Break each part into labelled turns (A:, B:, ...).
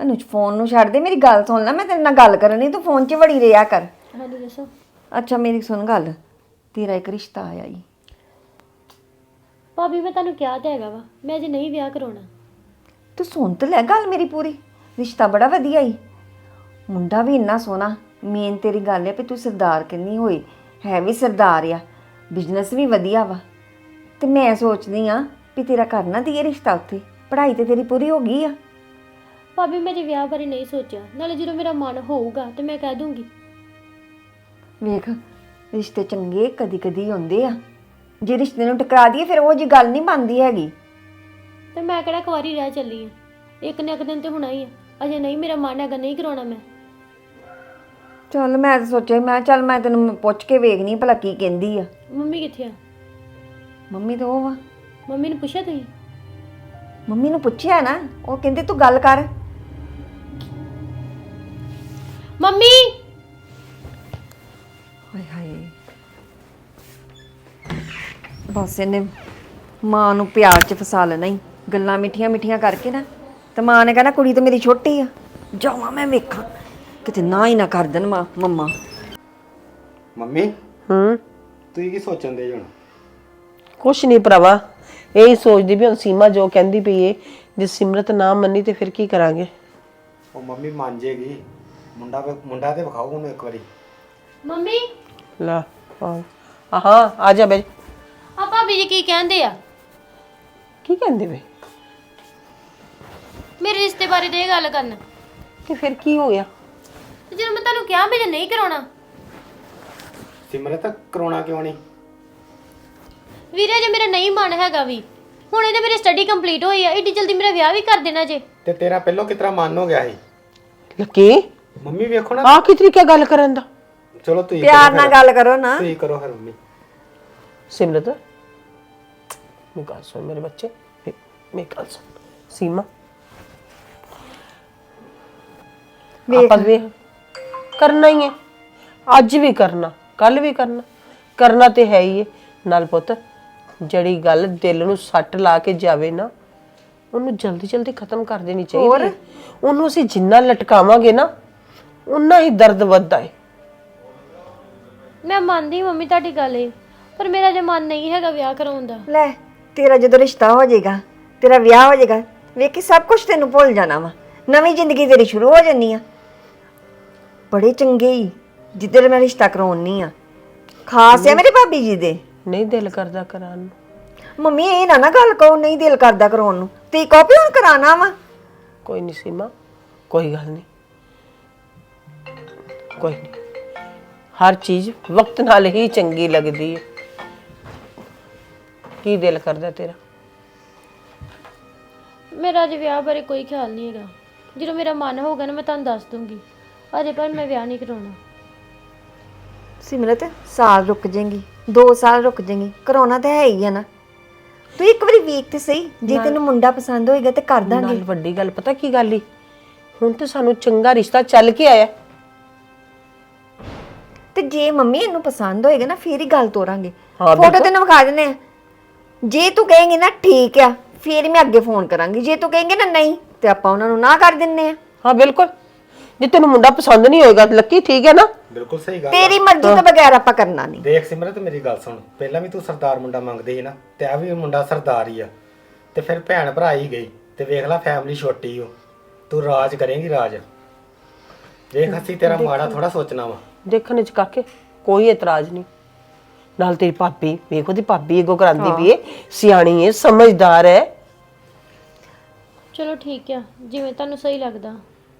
A: Anuj phone ਨੂੰ ਛੱਡ ਦੇ, ਮੇਰੀ ਗੱਲ ਸੁਣ ਲੈ, ਮੈਂ ਤੇਰੇ ਨਾਲ ਗੱਲ ਕਰਨੀ, ਤੂੰ ਫੋਨ 'ਚ ਵੜੀ ਰਿਹਾ ਕਰ।
B: ਹਾਂਜੀ ਦੱਸੋ।
A: ਅੱਛਾ ਮੇਰੀ ਸੁਣ ਗੱਲ, ਤੇਰਾ ਇੱਕ ਰਿਸ਼ਤਾ ਆਇਆ ਈ।
B: ਭਾਬੀ ਮੈਂ ਤੁਹਾਨੂੰ ਕਿਹਾ ਤਾਂ ਹੈਗਾ ਵਾ, ਮੈਂ ਅਜੇ ਨਹੀਂ ਵਿਆਹ ਕਰਾਉਣਾ।
A: ਤੂੰ ਸੁਣ ਤੇ ਲੈ ਗੱਲ ਮੇਰੀ ਪੂਰੀ। ਰਿਸ਼ਤਾ ਬੜਾ ਵਧੀਆ ਈ, ਮੁੰਡਾ ਵੀ ਇੰਨਾ ਸੋਹਣਾ। ਮੇਨ ਤੇਰੀ ਗੱਲ ਹੈ ਵੀ ਤੂੰ ਸਰਦਾਰ ਕਿੰਨੀ ਹੋਈ, ਹੈ ਵੀ ਸਰਦਾਰ ਆ, ਬਿਜ਼ਨਸ ਵੀ ਵਧੀਆ ਵਾ। ਤੇ ਮੈਂ ਸੋਚਦੀ ਆ ਵੀ ਤੇਰਾ ਕਰਨਾ ਦੀਏ ਰਿਸ਼ਤਾ ਉੱਥੇ, ਪੜ੍ਹਾਈ ਤੇ ਤੇਰੀ ਪੂਰੀ ਹੋ ਗਈ ਆ।
B: ਭਾਬੀ ਮੈਂ ਜੇ ਵਿਆਹ ਬਾਰੇ ਨਹੀਂ ਸੋਚਿਆ, ਨਾਲੇ ਜਦੋਂ ਮੇਰਾ ਮਨ ਹੋਊਗਾ ਤੇ ਮੈਂ ਕਹਿ ਦੂੰਗੀ।
A: ਵੇਖ ਰਿਸ਼ਤੇ ਚੰਗੇ ਕਦੀ ਕਦੀ ਹੁੰਦੇ ਆ, ਜੇ ਰਿਸ਼ਤੇ ਨੂੰ ਟਕਰਾ ਦਈਏ ਫਿਰ ਉਹ ਜੀ ਗੱਲ ਨਹੀਂ ਬਣਦੀ ਹੈਗੀ।
B: ਤੇ ਮੈਂ ਕਿਹੜਾ ਕੁਆਰੀ ਰਹਿ ਚੱਲੀ ਆ, ਇੱਕ ਨਾ ਇੱਕ ਦਿਨ ਤੇ ਹੋਣਾ ਹੀ ਆ। ਅਜੇ ਨਹੀਂ ਮੇਰਾ ਮਨ ਹੈਗਾ, ਨਹੀਂ ਕਰਾਉਣਾ ਮੈਂ।
A: ਚੱਲ ਮੈਂ ਤਾਂ ਸੋਚਿਆ, ਮੈਂ ਚੱਲ ਮੈਂ ਤੈਨੂੰ ਪੁੱਛ ਕੇ ਵੇਖਣੀ ਭਲਾ ਕੀ ਕਹਿੰਦੀ ਆ।
B: ਮੰਮੀ ਕਿੱਥੇ ਆ?
A: ਮੰਮੀ ਤਾਂ ਉਹ ਵਾ।
B: ਮੰਮੀ ਨੂੰ ਪੁੱਛਿਆ ਤੁਸੀਂ?
A: ਮੰਮੀ ਨੂੰ ਪੁੱਛਿਆ ਨਾ, ਉਹ ਕਹਿੰਦੇ ਤੂੰ ਗੱਲ ਕਰ।
B: ਮੰਮੀ
A: ਹਾਏ ਹਾਏ, ਬਸ ਇਹਨੇ ਮਾਂ ਨੂੰ ਪਿਆਰ 'ਚ ਫਸਾ ਲੈਣਾ ਹੀ, ਗੱਲਾਂ ਮਿੱਠੀਆਂ ਮਿੱਠੀਆਂ ਕਰਕੇ ਨਾ। ਤੇ ਮਾਂ ਨੇ ਕਹਿਣਾ ਕੁੜੀ ਤਾਂ ਮੇਰੀ ਛੋਟੀ ਆ, ਜਾਵਾਂ ਮੈਂ ਵੇਖਾਂ ਕਿਤੇ ਨਾ ਹੀ ਨਾ ਕਰ ਦੇਣ ਮੰਮਾ।
C: ਮੰਮੀ ਤੁਸੀਂ ਕੀ ਸੋਚਣ ਦੇ ਹੁਣ?
D: ਕੁਛ ਨਹੀਂ ਭਰਾਵਾ, ਇਹੀ ਸੋਚਦੀ ਵੀ ਹੁਣ ਸੀਮਾ ਜੋ ਕਹਿੰਦੀ ਪਈ ਏ, ਜੇ ਸਿਮਰਤ ਨਾ ਮੰਨੀ ਤੇ ਫਿਰ ਕੀ ਕਰਾਂਗੇ।
C: ਉਹ ਮੰਮੀ ਮੰਨ ਜੇਗੀ, ਮੁੰਡਾ ਤੇ ਵਿਖਾਓ ਉਹਨੂੰ ਇੱਕ ਵਾਰੀ।
B: ਮੰਮੀ
D: ਲਾ ਹਾਂ ਆ ਜਾ ਬੇ।
B: ਆ ਭਾਬੀ ਜੀ ਕੀ ਕਹਿੰਦੇ ਆ?
D: ਕੀ ਕਹਿੰਦੇ ਵੇ?
B: ਮੇਰੇ ਰਿਸ਼ਤੇ ਬਾਰੇ ਦੇ ਗੱਲ ਕਰਨ।
D: ਤੇ ਫਿਰ ਕੀ ਹੋ ਗਿਆ?
B: ਤੇ ਜਦੋਂ ਮੈਂ ਤੁਹਾਨੂੰ ਕਿਹਾ ਮੈਂ ਨਹੀਂ ਕਰਾਉਣਾ।
C: ਸਿਮਰਤ ਕਰਾਉਣਾ ਕਿਉਂ ਨਹੀਂ?
B: ਵੀਰੇ ਜੇ ਮੇਰਾ ਨਹੀਂ ਮਨ ਹੈਗਾ ਵੀ, ਹੁਣ ਇਹਦੇ ਮੇਰੀ ਸਟੱਡੀ ਕੰਪਲੀਟ ਹੋਈ ਆ, ਏਡੀ ਜਲਦੀ ਮੇਰਾ ਵਿਆਹ ਵੀ ਕਰ ਦੇਣਾ ਜੇ।
C: ਤੇ ਤੇਰਾ ਪਹਿਲਾਂ ਕਿਤਰਾ ਮਨ ਹੋ ਗਿਆ ਸੀ?
D: ਲੱਕੀ
C: ਮੰਮੀ ਵੇਖੋ ਨਾ,
D: ਆ ਕੀ ਤਰੀਕਾ ਗੱਲ ਕਰਨ ਦਾ।
C: ਚਲੋ ਤੁਸੀਂ
A: ਪਿਆਰ ਨਾਲ ਗੱਲ ਕਰੋ ਨਾ।
C: ਤੁਸੀਂ ਕਰੋ ਫਿਰ ਮੰਮੀ।
D: ਸਿਮਰਤ ਮੇਰੀ ਗੱਲ ਸੁਣ ਮੇਰੇ ਬੱਚੇ, ਮੇਰੀ ਗੱਲ ਸੁਣ। ਸੀਮਾ ਆਪਾਂ ਵੇਖ ਕਰਨਾ ਹੀ ਹੈ, ਅੱਜ ਵੀ ਕਰਨਾ, ਕੱਲ ਵੀ ਕਰਨਾ, ਕਰਨਾ ਤੇ ਹੈ ਹੀ ਹੈ। ਨਾਲ ਪੁੱਤ ਜਿਹੜੀ ਗੱਲ ਦਿਲ ਨੂੰ ਸੱਟ ਲਾ ਕੇ ਜਾਵੇ ਨਾ, ਉਹਨੂੰ ਜਲਦੀ ਜਲਦੀ ਖਤਮ ਕਰ ਦੇਣੀ ਚਾਹੀਦੀ ਹੈ। ਉਹਨੂੰ ਅਸੀਂ ਜਿੰਨਾ ਲਟਕਾਵਾਂਗੇ ਨਾ, ਉਨਾ ਹੀ ਦਰਦ ਵੱਧਦਾ ਹੈ।
B: ਮੈਂ ਮੰਨਦੀ ਮੰਮੀ ਤੁਹਾਡੀ ਗੱਲ ਏ, ਪਰ ਮੇਰਾ ਜੇ ਮਨ ਨਹੀਂ ਹੈਗਾ ਵਿਆਹ ਕਰਾਉਣ ਦਾ।
A: ਲੈ ਤੇਰਾ ਜਦੋਂ ਰਿਸ਼ਤਾ ਹੋ ਜਾਏਗਾ, ਤੇਰਾ ਵਿਆਹ ਹੋ ਜਾਏਗਾ, ਵੇਖੀ ਸਭ ਕੁਝ ਤੈਨੂੰ ਭੁੱਲ ਜਾਣਾ ਵਾ, ਨਵੀਂ ਜ਼ਿੰਦਗੀ ਤੇਰੀ ਸ਼ੁਰੂ ਹੋ ਜਾਣੀ ਆ। ਬੜੇ ਚੰਗੇ ਹੀ ਜਿੱਧਰ ਮੈਂ ਰਿਸ਼ਤਾ ਕਰਾਉਣੀ ਆ, ਖਾਸ ਆ ਮੇਰੇ ਭਾਬੀ ਜੀ ਦੇ।
D: ਨਹੀਂ ਦਿਲ ਕਰਦਾ ਕਰਾਉਣ ਨੂੰ।
A: ਮੰਮੀ ਇਹ ਨਾ ਗੱਲ ਕਹੋ ਨਹੀਂ ਦਿਲ ਕਰਦਾ ਕਰਾਉਣ ਨੂੰ, ਤੇ ਕਾਪੀ ਹੁਣ ਕਰਾਣਾ ਵਾ।
D: ਕੋਈ ਨਹੀਂ ਸੀਮਾ, ਕੋਈ ਗੱਲ ਨਹੀਂ, ਕੋਈ ਨਹੀਂ, ਹਰ ਚੀਜ਼ ਵਕਤ ਨਾਲ ਹੀ ਚੰਗੀ ਲੱਗਦੀ ਹੈ। ਕੀ ਦਿਲ ਕਰਦਾ ਤੇਰਾ?
B: ਮੇਰਾ ਅਜੇ ਵਿਆਹ ਬਾਰੇ ਕੋਈ ਖਿਆਲ ਨਹੀਂ ਹੈਗਾ, ਜਦੋਂ ਮੇਰਾ ਮਨ ਹੋਊਗਾ ਨਾ ਮੈਂ ਤੁਹਾਨੂੰ ਦੱਸ ਦੂੰਗੀ। ਅਜੇ ਪਰ ਮੈਂ ਵਿਆਹ ਨਹੀਂ ਕਰਾਉਣਾ।
A: ਸਿਮਰਤ ਸਾਲ ਰੁਕ ਜਾਏਗੀ, 2 ਸਾਲ ਰੁਕ ਜਾਏਗੀ, ਕਰਾਉਣਾ ਤਾਂ ਹੈ ਹੀ ਆ ਨਾ। ਤੂੰ ਇੱਕ ਵਾਰੀ ਵੇਖ ਤੇ ਸਹੀ, ਜੇ ਤੈਨੂੰ ਮੁੰਡਾ ਪਸੰਦ ਹੋਏਗਾ ਤੇ ਕਰ ਦਾਂਗੇ।
D: ਨਾਲ ਵੱਡੀ ਗੱਲ ਪਤਾ ਕੀ ਗੱਲ ਈ, ਹੁਣ ਤੇ ਸਾਨੂੰ ਚੰਗਾ ਰਿਸ਼ਤਾ ਚੱਲ ਕੇ ਆਇਆ।
A: ਤੇ ਜੇ ਮੰਮੀ ਇਹਨੂੰ ਪਸੰਦ ਹੋਏਗਾ ਨਾ ਫੇਰ ਹੀ ਗੱਲ ਤੋਰਾਂਗੇ।
D: ਹਾਂ,
A: ਫੋਟੋ ਤੈਨੂੰ ਵਿਖਾ ਦਿੰਦੇ ਆ, ਜੇ ਤੂੰ ਕਹੇਂਗੀ ਨਾ ਠੀਕ ਆ ਫੇਰ ਮੈਂ ਅੱਗੇ ਫੋਨ ਕਰਾਂਗੀ, ਜੇ ਤੂੰ ਕਹੇਂਗੀ ਨਾ ਨਹੀਂ ਤੇ ਆਪਾਂ ਉਹਨਾਂ ਨੂੰ ਨਾ ਕਰ ਦਿੰਨੇ ਆ।
D: ਹਾਂ ਬਿਲਕੁਲ, ਜੇ ਤੈਨੂੰ ਮੁੰਡਾ ਪਸੰਦ ਨਹੀਂ ਹੋਏਗਾ ਲੱਕੀ, ਠੀਕ ਹੈ ਨਾ?
C: ਬਿਲਕੁਲ ਸਹੀ ਗੱਲ।
A: ਤੇਰੀ ਮਰਜ਼ੀ ਤੋਂ ਬਗੈਰ ਆਪਾਂ ਕਰਨਾ ਨਹੀਂ।
C: ਦੇਖ ਸਿਮਰਤ ਮੇਰੀ ਗੱਲ ਸੁਣ, ਪਹਿਲਾਂ ਵੀ ਤੂੰ ਸਰਦਾਰ ਮੁੰਡਾ ਮੰਗਦੀ ਸੀ ਨਾ, ਤੇ ਆ ਵੀ ਮੁੰਡਾ ਸਰਦਾਰ ਹੀ ਆ, ਤੇ ਫਿਰ ਭੈਣ ਭਰਾ ਹੀ ਗਈ, ਤੇ ਵੇਖ ਲੈ ਫੈਮਿਲੀ ਛੋਟੀ ਓ, ਤੂੰ ਰਾਜ ਕਰੇਂਗੀ ਰਾਜ। ਦੇਖ ਅਸੀਂ ਤੇਰਾ ਮਾੜਾ ਥੋੜਾ ਸੋਚਣਾ ਵਾ।
D: ਦੇਖਣ ਚ ਕਾਕੇ ਕੋਈ ਇਤਰਾਜ਼ ਨਹੀਂ। ਨਾਲ ਤੇਰੀ ਭਾਬੀ ਵੇਖ, ਉਹਦੀ ਭਾਬੀ ਅੱਗੋਂ ਕਰਾਂਦੀ ਵੀ ਏ, ਸਿਆਣੀ ਏ, ਸਮਝਦਾਰ ਹੈ।
B: ਚਲੋ ਠੀਕ ਆ, ਜਿਵੇਂ ਤੁਹਾਨੂੰ ਸਹੀ ਲੱਗਦਾ।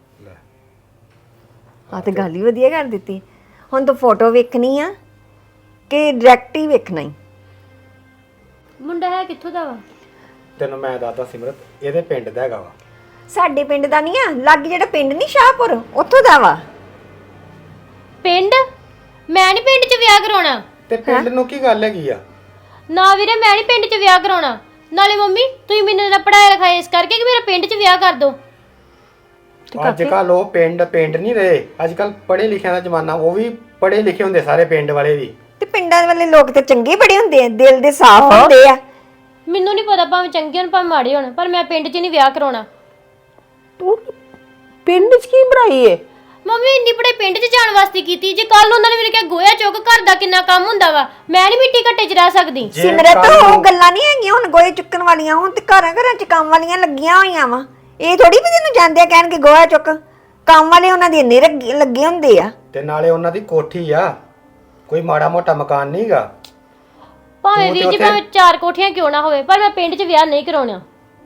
A: ਆ ਤੇ ਗੱਲ ਹੀ ਵਧੀਆ ਕਰ ਦਿੱਤੀ। ਹੁਣ ਤੂੰ ਫੋਟੋ ਵੇਖਣੀ ਆ ਕਿ ਡਾਇਰੈਕਟ ਹੀ ਵੇਖਣਾ ਹੀ?
B: ਮੁੰਡਾ ਹੈ ਕਿੱਥੋਂ ਦਾ ਵਾ?
C: ਤੈਨੂੰ ਮੈਂ ਦੱਸਦਾ ਸਿਮਰਤ, ਇਹਦੇ ਪਿੰਡ ਦਾ ਹੈਗਾ ਵਾ।
A: ਸਾਡੇ ਪਿੰਡ ਦਾ ਨਹੀਂ ਆ, ਲੱਗ ਜਿਹੜਾ ਪਿੰਡ ਨਹੀਂ ਸ਼ਾਹਪੁਰ, ਉੱਥੋਂ ਦਾ ਵਾ।
B: ਪਿੰਡ? ਮੈਂ ਨਹੀਂ ਪਿੰਡ 'ਚ ਵਿਆਹ ਕਰਾਉਣਾ।
C: ਤੇ ਪਿੰਡ ਨੂੰ ਕੀ ਗੱਲ ਹੈਗੀ ਆ?
B: ਨਾ ਵੀਰੇ ਮੈਂ ਨਹੀਂ ਪਿੰਡ 'ਚ ਵਿਆਹ ਕਰਾਉਣਾ। ਨਾਲੇ ਮੰਮੀ ਤੁਸੀਂ ਮੈਨੂੰ ਨਾ ਪੜਾਇਆ ਲਿਖਾਇਆ ਇਸ ਕਰਕੇ ਕਿ ਮੇਰਾ ਪਿੰਡ 'ਚ ਵਿਆਹ ਕਰ ਦੋ।
C: ਅੱਜ ਕੱਲ ਉਹ ਪਿੰਡ ਨਹੀਂ ਰਹੇ, ਅੱਜ ਕੱਲ ਪੜ੍ਹੇ ਲਿਖਿਆਂ ਦਾ ਜ਼ਮਾਨਾ, ਉਹ ਵੀ ਪੜ੍ਹੇ ਲਿਖੇ ਹੁੰਦੇ ਸਾਰੇ ਪਿੰਡ ਵਾਲੇ ਵੀ।
A: ਤੇ ਪਿੰਡਾਂ ਵਾਲੇ ਲੋਕ ਤੇ ਚੰਗੇ ਬੜੇ ਹੁੰਦੇ ਆ, ਦਿਲ ਦੇ ਸਾਫ਼ ਹੁੰਦੇ ਆ।
B: ਮੈਨੂੰ ਨਹੀਂ ਪਤਾ ਭਾਵੇਂ ਚੰਗੇ ਹੋਣ ਭਾਵੇਂ ਮਾੜੇ ਹੋਣ, ਪਰ ਮੈਂ ਪਿੰਡ 'ਚ ਨਹੀਂ ਵਿਆਹ ਕਰਾਉਣਾ।
D: ਪਿੰਡ 'ਚ ਕੀ ਬਣਾਈ ਏ?
B: ਮੰਮੀ ਇੰਨੀ ਬੜੇ ਪਿੰਡ 'ਚ ਜਾਣ ਵਾਸਤੇ ਕੀਤੀ, ਜੇ ਕੱਲ ਉਹਨਾਂ ਨੇ ਮੈਨੂੰ ਕਿਹਾ ਗੋਇਆ ਚੁੱਕ, ਘਰ ਦਾ ਕਿੰਨਾ ਕੰਮ ਹੁੰਦਾ ਵਾ, ਮੈਂ ਨਹੀਂ ਮਿੱਟੀ ਘੱਟੇ 'ਚ ਰਹਿ ਸਕਦੀ।
C: ਜੇ
A: ਸਿਮਰਤ
C: ਕੱਲ੍ਹ
A: ਉਹ
C: ਨੂੰ-
A: ਗੱਲਾਂ ਨਹੀਂ ਹੈਗੀਆਂ ਹੁਣ ਗੋਏ ਚੁੱਕਣ ਵਾਲੀਆਂ, ਹੁਣ ਤੇ ਘਰਾਂ ਘਰਾਂ 'ਚ ਕੰਮ ਵਾਲੀਆਂ ਲੱਗੀਆਂ ਹੋਈਆਂ ਵਾ। ਇਹ ਥੋੜੀ ਵੀ ਤੈਨੂੰ ਜਾਂਦੇ ਆ ਕਹਿਣਗੇ ਗੋਹਾ ਚੁੱਕ, ਕੰਮ ਵਾਲੇ ਉਹਨਾਂ ਦੇ ਇੰਨੇ ਲੱਗੇ ਹੁੰਦੇ ਆ।
C: ਤੇ ਨਾਲੇ ਉਹਨਾਂ ਦੀ ਕੋਠੀ ਆ, ਕੋਈ ਮਾੜਾ ਮੋਟਾ ਮਕਾਨ ਨਹੀਂਗਾ।
B: ਭਾਵੇਂ
C: ਤੂੰ ਤੇ
B: ਵੀਰ ਜੀ
C: ਉੱਥੇ-
B: ਭਾਵੇਂ 4 ਕੋਠੀਆਂ ਕਿਉਂ ਨਾ ਹੋਵੇ, ਪਰ ਮੈਂ ਪਿੰਡ 'ਚ ਵਿਆਹ ਨਹੀਂ ਕਰਾਉਣਾ।